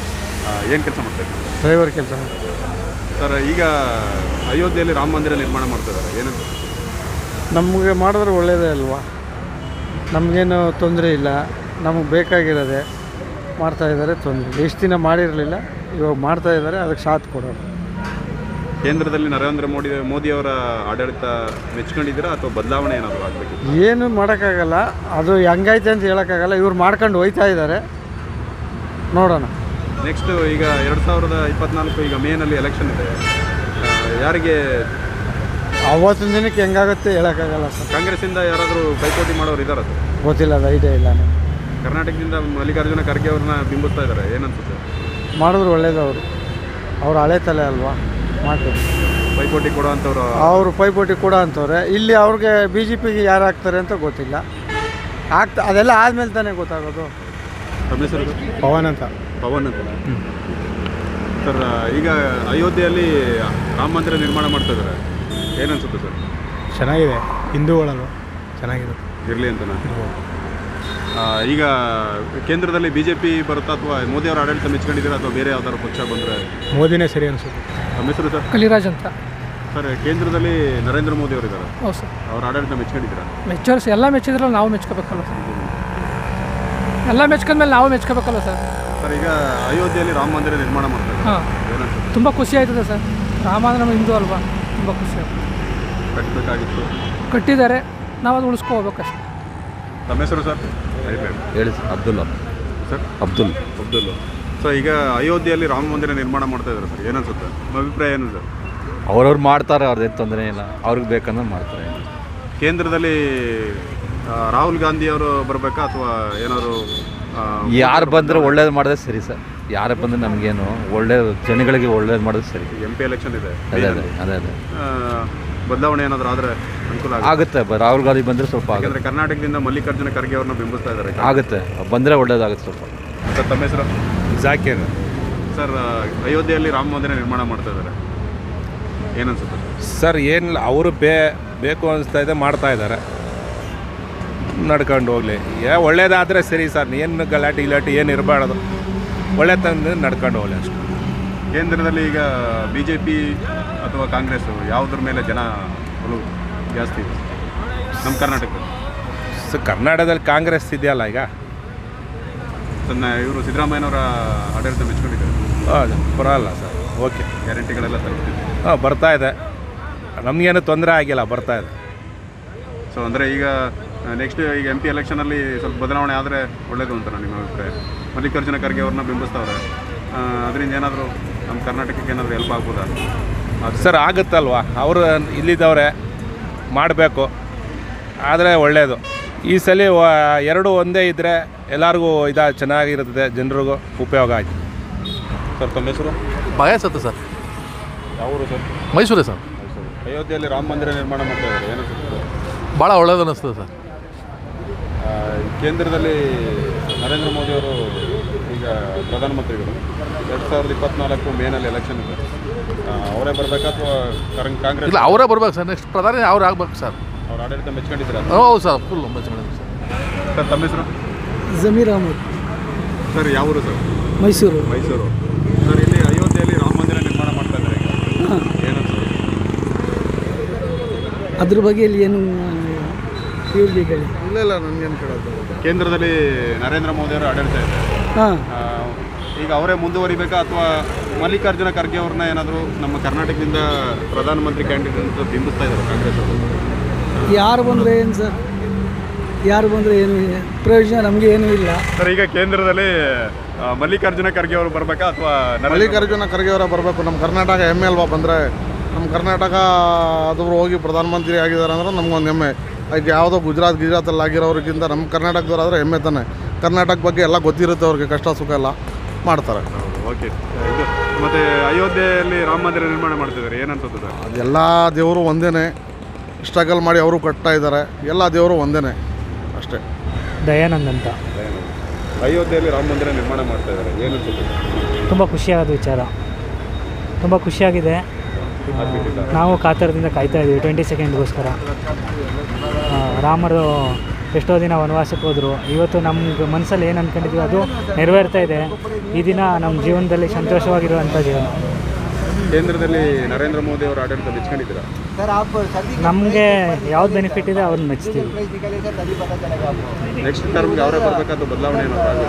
Speaker 1: ಏನು ಕೆಲಸ ಮಾಡ್ತಾ ಇದ್ದೀರಾ?
Speaker 10: ಡ್ರೈವರ್ ಕೆಲಸ.
Speaker 1: ಸರ್, ಈಗ ಅಯೋಧ್ಯೆಯಲ್ಲಿ ರಾಮ ಮಂದಿರ ನಿರ್ಮಾಣ ಮಾಡ್ತಿದ್ದಾರೆ, ಏನಂತ?
Speaker 10: ನಮಗೆ ಮಾಡಿದ್ರೆ ಒಳ್ಳೆಯದೇ ಅಲ್ವಾ? ನಮಗೇನು ತೊಂದರೆ ಇಲ್ಲ, ನಮಗೆ ಬೇಕಾಗಿರೋದೆ ಮಾಡ್ತಾಯಿದ್ದಾರೆ. ತೊಂದರೆ ಇಲ್ಲ, ಇಷ್ಟು ದಿನ ಮಾಡಿರಲಿಲ್ಲ, ಇವಾಗ ಮಾಡ್ತಾಯಿದ್ದಾರೆ, ಅದಕ್ಕೆ ಸಾಥ್ ಕೊಡೋರು.
Speaker 1: ಕೇಂದ್ರದಲ್ಲಿ ನರೇಂದ್ರ ಮೋದಿ ಮೋದಿಯವರ ಆಡಳಿತ ಮೆಚ್ಕೊಂಡಿದ್ದೀರಾ ಅಥವಾ ಬದಲಾವಣೆ ಏನಾದರೂ ಆಗಬೇಕು?
Speaker 10: ಏನು ಮಾಡೋಕ್ಕಾಗಲ್ಲ, ಅದು ಹೆಂಗೈತೆ ಅಂತ ಹೇಳೋಕ್ಕಾಗಲ್ಲ. ಇವ್ರು ಮಾಡ್ಕೊಂಡು ಹೋಯ್ತಾ ಇದ್ದಾರೆ, ನೋಡೋಣ.
Speaker 1: ನೆಕ್ಸ್ಟು ಈಗ ಎರಡು ಸಾವಿರದ ಇಪ್ಪತ್ನಾಲ್ಕು ಈಗ ಮೇನಲ್ಲಿ ಎಲೆಕ್ಷನ್ ಇದೆ, ಯಾರಿಗೆ
Speaker 10: ಅವತ್ತಿನ ದಿನಕ್ಕೆ ಹೆಂಗಾಗುತ್ತೆ ಹೇಳೋಕ್ಕಾಗಲ್ಲ ಸರ್.
Speaker 1: ಕಾಂಗ್ರೆಸ್ಸಿಂದ ಯಾರಾದರೂ ಪೈಪೋಟಿ ಮಾಡೋರು ಇದ್ದಾರಾ ಸರ್?
Speaker 10: ಗೊತ್ತಿಲ್ಲ, ಅದು ಐಡಿಯಾ ಇಲ್ಲ.
Speaker 1: ಕರ್ನಾಟಕದಿಂದ ಮಲ್ಲಿಕಾರ್ಜುನ ಖರ್ಗೆ ಅವ್ರನ್ನ ಬಿಂಬಿಸ್ತಾ ಇದ್ದಾರೆ, ಏನನ್ಸುತ್ತೆ?
Speaker 10: ಮಾಡಿದ್ರು ಒಳ್ಳೇದು. ಅವರು ಅವ್ರು ಹಳೆ ತಲೆ ಅಲ್ವಾ, ಮಾಡ್ತಾರೆ.
Speaker 1: ಪೈಪೋಟಿ ಕೊಡೋ ಅಂಥವ್ರು
Speaker 10: ಅವರು ಪೈಪೋಟಿ ಕೊಡೋ ಅಂಥವ್ರೆ. ಇಲ್ಲಿ ಅವ್ರಿಗೆ ಬಿ ಜೆ ಪಿಗೆ ಯಾರು ಹಾಕ್ತಾರೆ ಅಂತ ಗೊತ್ತಿಲ್ಲ. ಆಗ್ತಾ ಅದೆಲ್ಲ ಆದಮೇಲೆ ತಾನೇ ಗೊತ್ತಾಗೋದು.
Speaker 1: ತಮ್ಮ ಹೆಸರು?
Speaker 10: ಪವನ್ ಅಂತ.
Speaker 1: ಪವನ್ ಅಂತ ಸರ್. ಈಗ ಅಯೋಧ್ಯೆಯಲ್ಲಿ ರಾಮ ಮಂದಿರ ನಿರ್ಮಾಣ ಮಾಡ್ತಾ ಇದ್ದಾರೆ, ಏನನ್ಸುತ್ತೆ ಸರ್?
Speaker 10: ಚೆನ್ನಾಗಿದೆ, ಹಿಂದೂಗಳಲ್ವ, ಚೆನ್ನಾಗಿದೆ,
Speaker 1: ಇರಲಿ ಅಂತ. ಈಗ ಕೇಂದ್ರದಲ್ಲಿ ಬಿ ಜೆ ಪಿ ಬರುತ್ತಾ ಅಥವಾ ಮೋದಿಯವರ ಆಡಳಿತ ಮೆಚ್ಕೊಂಡಿದ್ದೀರಾ ಅಥವಾ ಬೇರೆ ಯಾವ್ದಾದ್ರು ಪಕ್ಷ ಬಂದರೆ?
Speaker 10: ಮೋದಿನೇ ಸರಿ ಅನಿಸುತ್ತೆ.
Speaker 1: ತಮ್ಮ ಹೆಸರು ಸರ್?
Speaker 4: ಕಲಿರಾಜ್ ಅಂತ
Speaker 1: ಸರ್, ಕೇಂದ್ರದಲ್ಲಿ ನರೇಂದ್ರ ಮೋದಿ ಅವರು ಇದ್ದಾರೆ,
Speaker 4: ಹೌದು ಸರ್.
Speaker 1: ಅವ್ರ ಆಡಳಿತ ಮೆಚ್ಕೊಂಡಿದ್ದೀರಾ?
Speaker 4: ಮೆಚ್ಚೋರ್ಸ್ ಎಲ್ಲ ಮೆಚ್ಚಿದ್ರಲ್ಲ, ನಾವು ಮೆಚ್ಕೋಬೇಕಲ್ಲ ಸರ್. ಎಲ್ಲ ಮೆಚ್ಕೊಂಡ್ಮೇಲೆ ನಾವು ಮೆಚ್ಕೋಬೇಕಲ್ಲ ಸರ್.
Speaker 1: ಸರ್, ಈಗ ಅಯೋಧ್ಯೆಯಲ್ಲಿ ರಾಮ ಮಂದಿರ ನಿರ್ಮಾಣ ಮಾಡ್ತಾರೆ,
Speaker 4: ಹಾಂ, ತುಂಬ ಖುಷಿ ಆಯ್ತದೆ ಸರ್. ರಾಮ ಅಂದ್ರೆ ನಮ್ಮ ಹಿಂದೂ ಅಲ್ವಾ, ತುಂಬ ಖುಷಿ ಆಯ್ತು.
Speaker 1: ಕಟ್ಟಬೇಕಾಗಿತ್ತು,
Speaker 4: ಕಟ್ಟಿದ್ದಾರೆ, ನಾವು ಅದು ಉಳಿಸ್ಕೊ ಹೋಗ್ಬೇಕಷ್ಟೆ.
Speaker 1: ತಮ್ಮ ಹೆಸರು ಸರ್?
Speaker 2: ಹೇಳಿ sir. Abdulla
Speaker 1: sir.
Speaker 2: Abdul
Speaker 1: Abdul so ಈಗ ಅಯೋಧ್ಯೆಯಲ್ಲಿ ರಾಮ ಮಂದಿರ ನಿರ್ಮಾಣ ಮಾಡ್ತಾ ಇದ್ದಾರೆ ಸರ್, ಏನನ್ಸುತ್ತೆ? ನಿಮ್ಮ ಅಭಿಪ್ರಾಯ ಏನು ಸರ್?
Speaker 2: ಅವ್ರವ್ರು ಮಾಡ್ತಾರೆ, ಅವ್ರದ್ದೇನು ತೊಂದರೆ ಇಲ್ಲ, ಅವ್ರಿಗೆ ಬೇಕಂದ್ರೆ ಮಾಡ್ತಾರೆ.
Speaker 1: ಕೇಂದ್ರದಲ್ಲಿ ಆ, ರಾಹುಲ್ ಗಾಂಧಿ ಅವರು ಬರಬೇಕಾ ಅಥವಾ ಏನಾದ್ರು
Speaker 2: ಯಾರು ಬಂದರೆ ಒಳ್ಳೇದು ಮಾಡಿದ್ರೆ ಸರಿ ಸರ್. ಯಾರು ಬಂದರೆ ನಮಗೇನು ಒಳ್ಳೇದು, ಜನಗಳಿಗೆ ಒಳ್ಳೇದು ಮಾಡೋದು ಸರಿ.
Speaker 1: ಎಂ ಪಿ ಎಲೆಕ್ಷನ್ ಇದೆ,
Speaker 2: ಅದೇ ಅದೇ ಅದೇ ಅದೇ
Speaker 1: ಆ, ಬದಲಾವಣೆ ಏನಾದರೂ ಆದರೆ ಅನುಕೂಲ
Speaker 2: ಆಗುತ್ತೆ. ರಾಹುಲ್ ಗಾಂಧಿ ಬಂದರೆ ಸ್ವಲ್ಪ ಆಗುತ್ತೆ.
Speaker 1: ಯಾಕಂದರೆ ಕರ್ನಾಟಕದಿಂದ ಮಲ್ಲಿಕಾರ್ಜುನ ಖರ್ಗೆ ಅವ್ರನ್ನ ಬಿಂಬಿಸ್ತಾ ಇದ್ದಾರೆ.
Speaker 2: ಆಗುತ್ತೆ, ಬಂದರೆ ಒಳ್ಳೇದಾಗುತ್ತೆ ಸ್ವಲ್ಪ.
Speaker 1: ಸರ್, ತಮ್ಮ ಹೆಸರು?
Speaker 9: ಜಾಕೀರ್.
Speaker 1: ಸರ್, ಅಯೋಧ್ಯೆಯಲ್ಲಿ ರಾಮ ಮಂದಿರ ನಿರ್ಮಾಣ ಮಾಡ್ತಾ ಇದ್ದಾರೆ, ಏನನ್ಸುತ್ತೆ
Speaker 9: ಸರ್? ಏನಿಲ್ಲ, ಅವರು ಬೇ ಬೇಕು ಅನಿಸ್ತಾ ಇದೆ, ಮಾಡ್ತಾ ಇದ್ದಾರೆ, ನಡ್ಕೊಂಡು ಹೋಗಲಿ. ಏ ಒಳ್ಳೇದಾದರೆ ಸರಿ ಸರ್, ಏನು ಗಲಾಟೆ ಗಿಲಾಟೆ ಏನು ಇರಬಾರ್ದು, ಒಳ್ಳೆ ತಂದು ನಡ್ಕೊಂಡು ಹೋಗಲಿ ಅಷ್ಟು.
Speaker 1: ಕೇಂದ್ರದಲ್ಲಿ ಈಗ ಬಿ ಜೆ ಪಿ ಅಥವಾ ಕಾಂಗ್ರೆಸ್ ಯಾವುದ್ರ ಮೇಲೆ ಜನ ಒಲವು ಜಾಸ್ತಿ ಇದೆ ನಮ್ಮ ಕರ್ನಾಟಕದಲ್ಲಿ?
Speaker 9: ಸೊ ಕರ್ನಾಟಕದಲ್ಲಿ ಕಾಂಗ್ರೆಸ್ ಇದೆಯಲ್ಲ ಈಗ,
Speaker 1: ತನ್ನ ಇವರು ಸಿದ್ದರಾಮಯ್ಯನವರ ಆಡಳಿತ ಮೆಚ್ಕೊಂಡಿದ್ದಾರೆ.
Speaker 9: ಹೌದು, ಪರವಾಗಿಲ್ಲ ಸರ್, ಓಕೆ.
Speaker 1: ಗ್ಯಾರಂಟಿಗಳೆಲ್ಲ ತಲುಪ್ತಿದೆ.
Speaker 9: ಹಾಂ, ಬರ್ತಾ ಇದೆ, ನಮಗೇನು ತೊಂದರೆ ಆಗಿಲ್ಲ, ಬರ್ತಾ ಇದೆ.
Speaker 1: ಸೊ ಅಂದರೆ ಈಗ ನೆಕ್ಸ್ಟ್ ಈಗ ಎಂ ಪಿ ಎಲೆಕ್ಷನಲ್ಲಿ ಸ್ವಲ್ಪ ಬದಲಾವಣೆ ಆದರೆ ಒಳ್ಳೇದು ಅಂತ ನಿಮ್ಮ ಅಭಿಪ್ರಾಯ? ಮಲ್ಲಿಕಾರ್ಜುನ ಖರ್ಗೆ ಅವ್ರನ್ನ ಬಿಂಬಿಸ್ತವ್ರೆ, ಅದರಿಂದ ಏನಾದರೂ ನಮ್ಮ ಕರ್ನಾಟಕಕ್ಕೆ ಏನಾದರೂ ಹೆಲ್ಪ್ ಆಗ್ಬೋದಾ?
Speaker 9: ಸರ್, ಆಗುತ್ತಲ್ವ, ಅವರು ಇಲ್ಲಿದ್ದವ್ರೆ, ಮಾಡಬೇಕು, ಆದರೆ ಒಳ್ಳೆಯದು. ಈ ಸಲ ಎರಡು ಒಂದೇ ಇದ್ದರೆ ಎಲ್ಲರಿಗೂ ಇದು ಚೆನ್ನಾಗಿರ್ತದೆ, ಜನರಿಗೂ ಉಪಯೋಗ ಆಯ್ತು.
Speaker 1: ಸರ್, ತಮ್ಮ ಹೆಸರು?
Speaker 13: ಬಯಸತ್ತೆ ಸರ್.
Speaker 1: ಯಾವರು ಸರ್?
Speaker 13: ಮೈಸೂರೇ ಸರ್.
Speaker 1: ಮೈಸೂರು. ಅಯೋಧ್ಯೆಯಲ್ಲಿ ರಾಮ ಮಂದಿರ ನಿರ್ಮಾಣ ಮಾಡ್ತಾ ಇದ್ದಾರೆ, ಏನಿಸುತ್ತೆ?
Speaker 13: ಭಾಳ ಒಳ್ಳೇದು ಅನ್ನಿಸ್ತದೆ ಸರ್.
Speaker 1: ಕೇಂದ್ರದಲ್ಲಿ ನರೇಂದ್ರ ಮೋದಿಯವರು ಈಗ ಪ್ರಧಾನಮಂತ್ರಿಗಳು, ಎರಡು ಸಾವಿರದ ಇಪ್ಪತ್ನಾಲ್ಕು ಮೇನಲ್ಲಿ ಎಲೆಕ್ಷನ್ ಇದೆ, ಅವರೇ ಬರಬೇಕಾ ಅಥವಾ ಕಾಂಗ್ರೆಸ್?
Speaker 13: ಇಲ್ಲ, ಅವರೇ ಬರ್ಬೇಕು ಸರ್. ನೆಕ್ಸ್ಟ್ ಪ್ರಧಾನಿ ಅವ್ರು ಆಗ್ಬೇಕು ಸರ್.
Speaker 1: ಅವ್ರ ಆಡಳಿತ ಮೆಚ್ಕೊಂಡಿದ್ದೀರಾ?
Speaker 13: ಹೌದು ಸರ್, ಫುಲ್ ಮೆಚ್ಕೊಂಡಿದ್ದೀವಿ ಸರ್.
Speaker 1: ಸರ್, ತಮ್ಮ ಹೆಸರು?
Speaker 4: ಜಮೀರ್ ಅಹಮದ್.
Speaker 1: ಸರ್, ಯಾವ ಊರು ಸರ್?
Speaker 4: ಮೈಸೂರು.
Speaker 1: ಮೈಸೂರು. ಸರ್, ಇಲ್ಲಿ ಅಯೋಧ್ಯೆಯಲ್ಲಿ ರಾಮ ಮಂದಿರ ನಿರ್ಮಾಣ ಮಾಡ್ತಾ ಇದ್ದಾರೆ, ಏನನ್ಸುತ್ತೆ?
Speaker 4: ಅದ್ರ ಬಗ್ಗೆ ಇಲ್ಲಿ ಏನು ಇವ್ರಿಗೆ ಹೇಳಿ.
Speaker 10: ಇಲ್ಲ ಇಲ್ಲ, ನನಗೇನು ಕೇಳೋದು.
Speaker 1: ಕೇಂದ್ರದಲ್ಲಿ ನರೇಂದ್ರ ಮೋದಿಯವರ ಆಡಳಿತ ಇದೆ,
Speaker 4: ಹಾಂ,
Speaker 1: ಈಗ ಅವರೇ ಮುಂದುವರಿಬೇಕಾ ಅಥವಾ ಮಲ್ಲಿಕಾರ್ಜುನ ಖರ್ಗೆ ಅವ್ರನ್ನ ಏನಾದರೂ ನಮ್ಮ ಕರ್ನಾಟಕದಿಂದ ಪ್ರಧಾನಮಂತ್ರಿ ಕ್ಯಾಂಡಿಡೇಟ್ ಅಂತ ಬಿಂಬಿಸ್ತಾ ಇದ್ದಾರೆ ಕಾಂಗ್ರೆಸ್ ಅವರು?
Speaker 4: ಯಾರು ಬಂದರೆ ಏನು ಸರ್, ಯಾರು ಬಂದರೆ ಏನು ಪ್ರಯೋಜನ ನಮಗೆ ಏನೂ ಇಲ್ಲ
Speaker 1: ಸರ್. ಈಗ ಕೇಂದ್ರದಲ್ಲಿ ಮಲ್ಲಿಕಾರ್ಜುನ ಖರ್ಗೆ ಅವರು ಬರಬೇಕಾ ಅಥವಾ
Speaker 10: ಮಲ್ಲಿಕಾರ್ಜುನ ಖರ್ಗೆ ಅವರ ಬರಬೇಕು? ನಮ್ಮ ಕರ್ನಾಟಕ ಹೆಮ್ಮೆ ಅಲ್ವಾ ಬಂದರೆ? ನಮ್ಮ ಕರ್ನಾಟಕ ಅದು ಹೋಗಿ ಪ್ರಧಾನಮಂತ್ರಿ ಆಗಿದ್ದಾರೆ ಅಂದ್ರೆ ನಮ್ಗೊಂದು ಹೆಮ್ಮೆ. ಈಗ ಯಾವುದೋ ಗುಜರಾತ್ ಗುಜರಾತಲ್ಲಿ ಆಗಿರೋರಿಗಿಂತ ನಮ್ಮ ಕರ್ನಾಟಕದವರಾದರೆ ಹೆಮ್ಮೆ ತಾನೆ. ಕರ್ನಾಟಕ ಬಗ್ಗೆ ಎಲ್ಲ ಗೊತ್ತಿರುತ್ತೆ ಅವ್ರಿಗೆ, ಕಷ್ಟ ಸುಖ ಎಲ್ಲ ಮಾಡ್ತಾರೆ.
Speaker 1: ಓಕೆ. ಇದು ಮತ್ತು ಅಯೋಧ್ಯೆಯಲ್ಲಿ ರಾಮ ಮಂದಿರ ನಿರ್ಮಾಣ ಮಾಡ್ತಿದ್ದಾರೆ, ಏನನ್ಸುತ್ತೆ ಸರ್?
Speaker 10: ಅದೆಲ್ಲ ದೇವರು ಒಂದೇ, ಸ್ಟ್ರಗಲ್ ಮಾಡಿ ಅವರು ಕಟ್ತಾ ಇದ್ದಾರೆ, ಎಲ್ಲ ದೇವರು ಒಂದೇ ಅಷ್ಟೇ.
Speaker 4: ದಯಾನಂದ್ ಅಂತ.
Speaker 1: ಅಯೋಧ್ಯೆಯಲ್ಲಿ ರಾಮ ಮಂದಿರ ನಿರ್ಮಾಣ ಮಾಡ್ತಾ ಇದ್ದಾರೆ, ಏನನ್ಸುತ್ತೆ?
Speaker 4: ತುಂಬ ಖುಷಿಯಾದ ವಿಚಾರ, ತುಂಬ ಖುಷಿಯಾಗಿದೆ. ನಾವು ಕಾತರದಿಂದ ಕಾಯ್ತಾ ಇದ್ದೀವಿ ಟ್ವೆಂಟಿ ಸೆಕೆಂಡ್ಗೋಸ್ಕರ. ರಾಮರು
Speaker 14: ಎಷ್ಟೋ ದಿನ ವನವಾಸಕ್ಕೆ ಹೋದರು. ಇವತ್ತು ನಮ್ಗೆ ಮನಸ್ಸಲ್ಲಿ ಏನು ಅಂದ್ಕೊಂಡಿದ್ವಿ ಅದು ನೆರವೇರ್ತಾ ಇದೆ. ಈ ದಿನ ನಮ್ಮ ಜೀವನದಲ್ಲಿ ಸಂತೋಷವಾಗಿರುವಂಥ ಜೀವನ.
Speaker 1: ಕೇಂದ್ರದಲ್ಲಿ ನರೇಂದ್ರ ಮೋದಿ ಅವರ ಆಡಳಿತ ಮೆಚ್ಕೊಂಡಿದ್ದೀರಾ?
Speaker 14: ನಮಗೆ ಯಾವ್ದು ಬೆನಿಫಿಟ್ ಇದೆ ಅವ್ರನ್ನ ಮೆಚ್ತೀವಿ.
Speaker 1: ನೆಕ್ಸ್ಟ್ ಟರ್ಮ್ಗೆ ಅವರೇ ಬರಬೇಕಾದ ಬದಲಾವಣೆ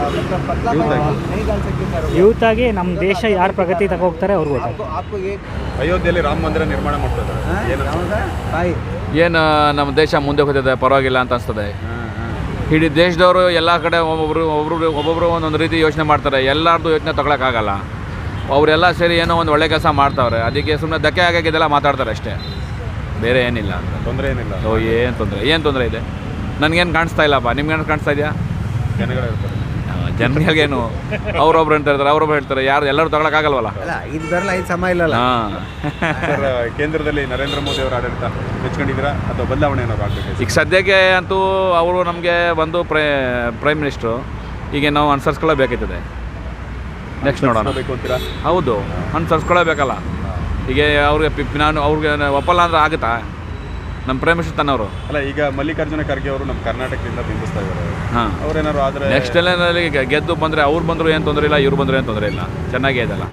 Speaker 14: ಯೂತ್ ಆಗಿ ನಮ್ಮ ದೇಶ ಯಾರು ಪ್ರಗತಿ ತಗೋಗ್ತಾರೆ ಅವ್ರಿಗೆ ಗೊತ್ತಾಗುತ್ತೆ.
Speaker 1: ಅಯೋಧ್ಯೆಯಲ್ಲಿ ರಾಮ ಮಂದಿರ ನಿರ್ಮಾಣ ಮಾಡ್ತಾ ಇದ್ದಾರೆ.
Speaker 15: ಏನು ನಮ್ಮ ದೇಶ ಮುಂದೆ ಹೋಗ್ತಿದೆ, ಪರವಾಗಿಲ್ಲ ಅಂತ ಅನಿಸ್ತದೆ. ಇಡೀ ದೇಶದವರು ಎಲ್ಲ ಕಡೆ ಒಬ್ಬೊಬ್ರು ಒಬ್ಬೊಬ್ರು ಒಬ್ಬೊಬ್ಬರು ಒಂದೊಂದು ರೀತಿ ಯೋಚನೆ ಮಾಡ್ತಾರೆ. ಎಲ್ಲರದ್ದು ಯೋಚನೆ ತಗೊಳಕ್ಕಾಗಲ್ಲ. ಅವರೆಲ್ಲ ಸೇರಿ ಏನೋ ಒಂದು ಒಳ್ಳೆ ಕೆಲಸ ಮಾಡ್ತಾವ್ರೆ, ಅದಕ್ಕೆ ಸುಮ್ಮನೆ ಧಕ್ಕೆ ಆಗಾಗಿದ್ದೆಲ್ಲ ಮಾತಾಡ್ತಾರೆ ಅಷ್ಟೇ, ಬೇರೆ ಏನಿಲ್ಲ ಅಂತ.
Speaker 1: ತೊಂದರೆ ಏನಿಲ್ಲ.
Speaker 15: ಓ ಏನು ತೊಂದರೆ ಏನು ತೊಂದರೆ ಇದೆ? ನನಗೇನು ಕಾಣಿಸ್ತಾ ಇಲ್ಲಪ್ಪ, ನಿಮ್ಗೇನು ಕಾಣಿಸ್ತಾ ಇದೆಯಾ?
Speaker 1: ಜನಗಳಿರ್ತಾರೆ,
Speaker 15: ಜನಗಳಿಗೇನು ಅವ್ರೊಬ್ರು ಅಂತ ಹೇಳ್ತಾರೆ, ಅವ್ರೊಬ್ರು ಹೇಳ್ತಾರೆ, ಯಾರು ಎಲ್ಲರೂ ತಗೊಳಕ್ಕಾಗಲ್ವಲ್ಲ.
Speaker 6: ಇದು ಬರಲ್ಲ, ಇದು ಸಮ ಇಲ್ಲಲ್ಲ.
Speaker 15: ಹಾಂ,
Speaker 1: ಸರ್ ಕೇಂದ್ರದಲ್ಲಿ ನರೇಂದ್ರ ಮೋದಿ ಅವರ ಆಡಳಿತ ಮೆಚ್ಕೊಂಡಿದ್ದೀರಾ ಅಥವಾ ಬದಲಾವಣೆ ಏನಾದ್ರು ಆಗಬೇಕು?
Speaker 15: ಈಗ ಸದ್ಯಕ್ಕೆ ಅಂತೂ ಅವರು ನಮಗೆ ಬಂದು ಪ್ರೈ ಪ್ರೈಮ್ ಮಿನಿಸ್ಟ್ರು, ಈಗ ನಾವು ಅನುಸರಿಸ್ಕೊಳ್ಳೇಬೇಕಾಯ್ತದೆ. ನೆಕ್ಸ್ಟ್ ನೋಡೋಣ. ಹೌದು, ಅನುಸರಿಸ್ಕೊಳ್ಳೇಬೇಕಲ್ಲ. ಈಗ ಅವ್ರಿಗೆ ಪಿ- ನಾನು ಅವ್ರಿಗೆ ಒಪ್ಪಲ್ಲ ಅಂದ್ರೆ ಆಗುತ್ತಾ? ನಮ್ಮ ಪ್ರೈಮ್ ಮಿನಿಸ್ಟರ್ ತನ್ನವರು
Speaker 1: ಅಲ್ಲ, ಈಗ ಮಲ್ಲಿಕಾರ್ಜುನ ಖರ್ಗೆ ಅವರು ನಮ್ಮ ಕರ್ನಾಟಕದಿಂದ ಬಿಂಬಿಸ್ತಾ ಇದ್ದಾರೆ.
Speaker 15: ಹಾಂ,
Speaker 1: ಅವ್ರೇನಾದ್ರು ಆದರೆ
Speaker 15: ನೆಕ್ಸ್ಟ್ ಎಲ್ಲ ಗೆದ್ದು ಬಂದರೆ ಅವ್ರು ಬಂದರೂ ಏನು ತೊಂದರೆ ಇಲ್ಲ, ಇವ್ರು ಬಂದರೂ ಏನು ತೊಂದರೆ ಇಲ್ಲ, ಚೆನ್ನಾಗೇ ಇದೆಲ್ಲ.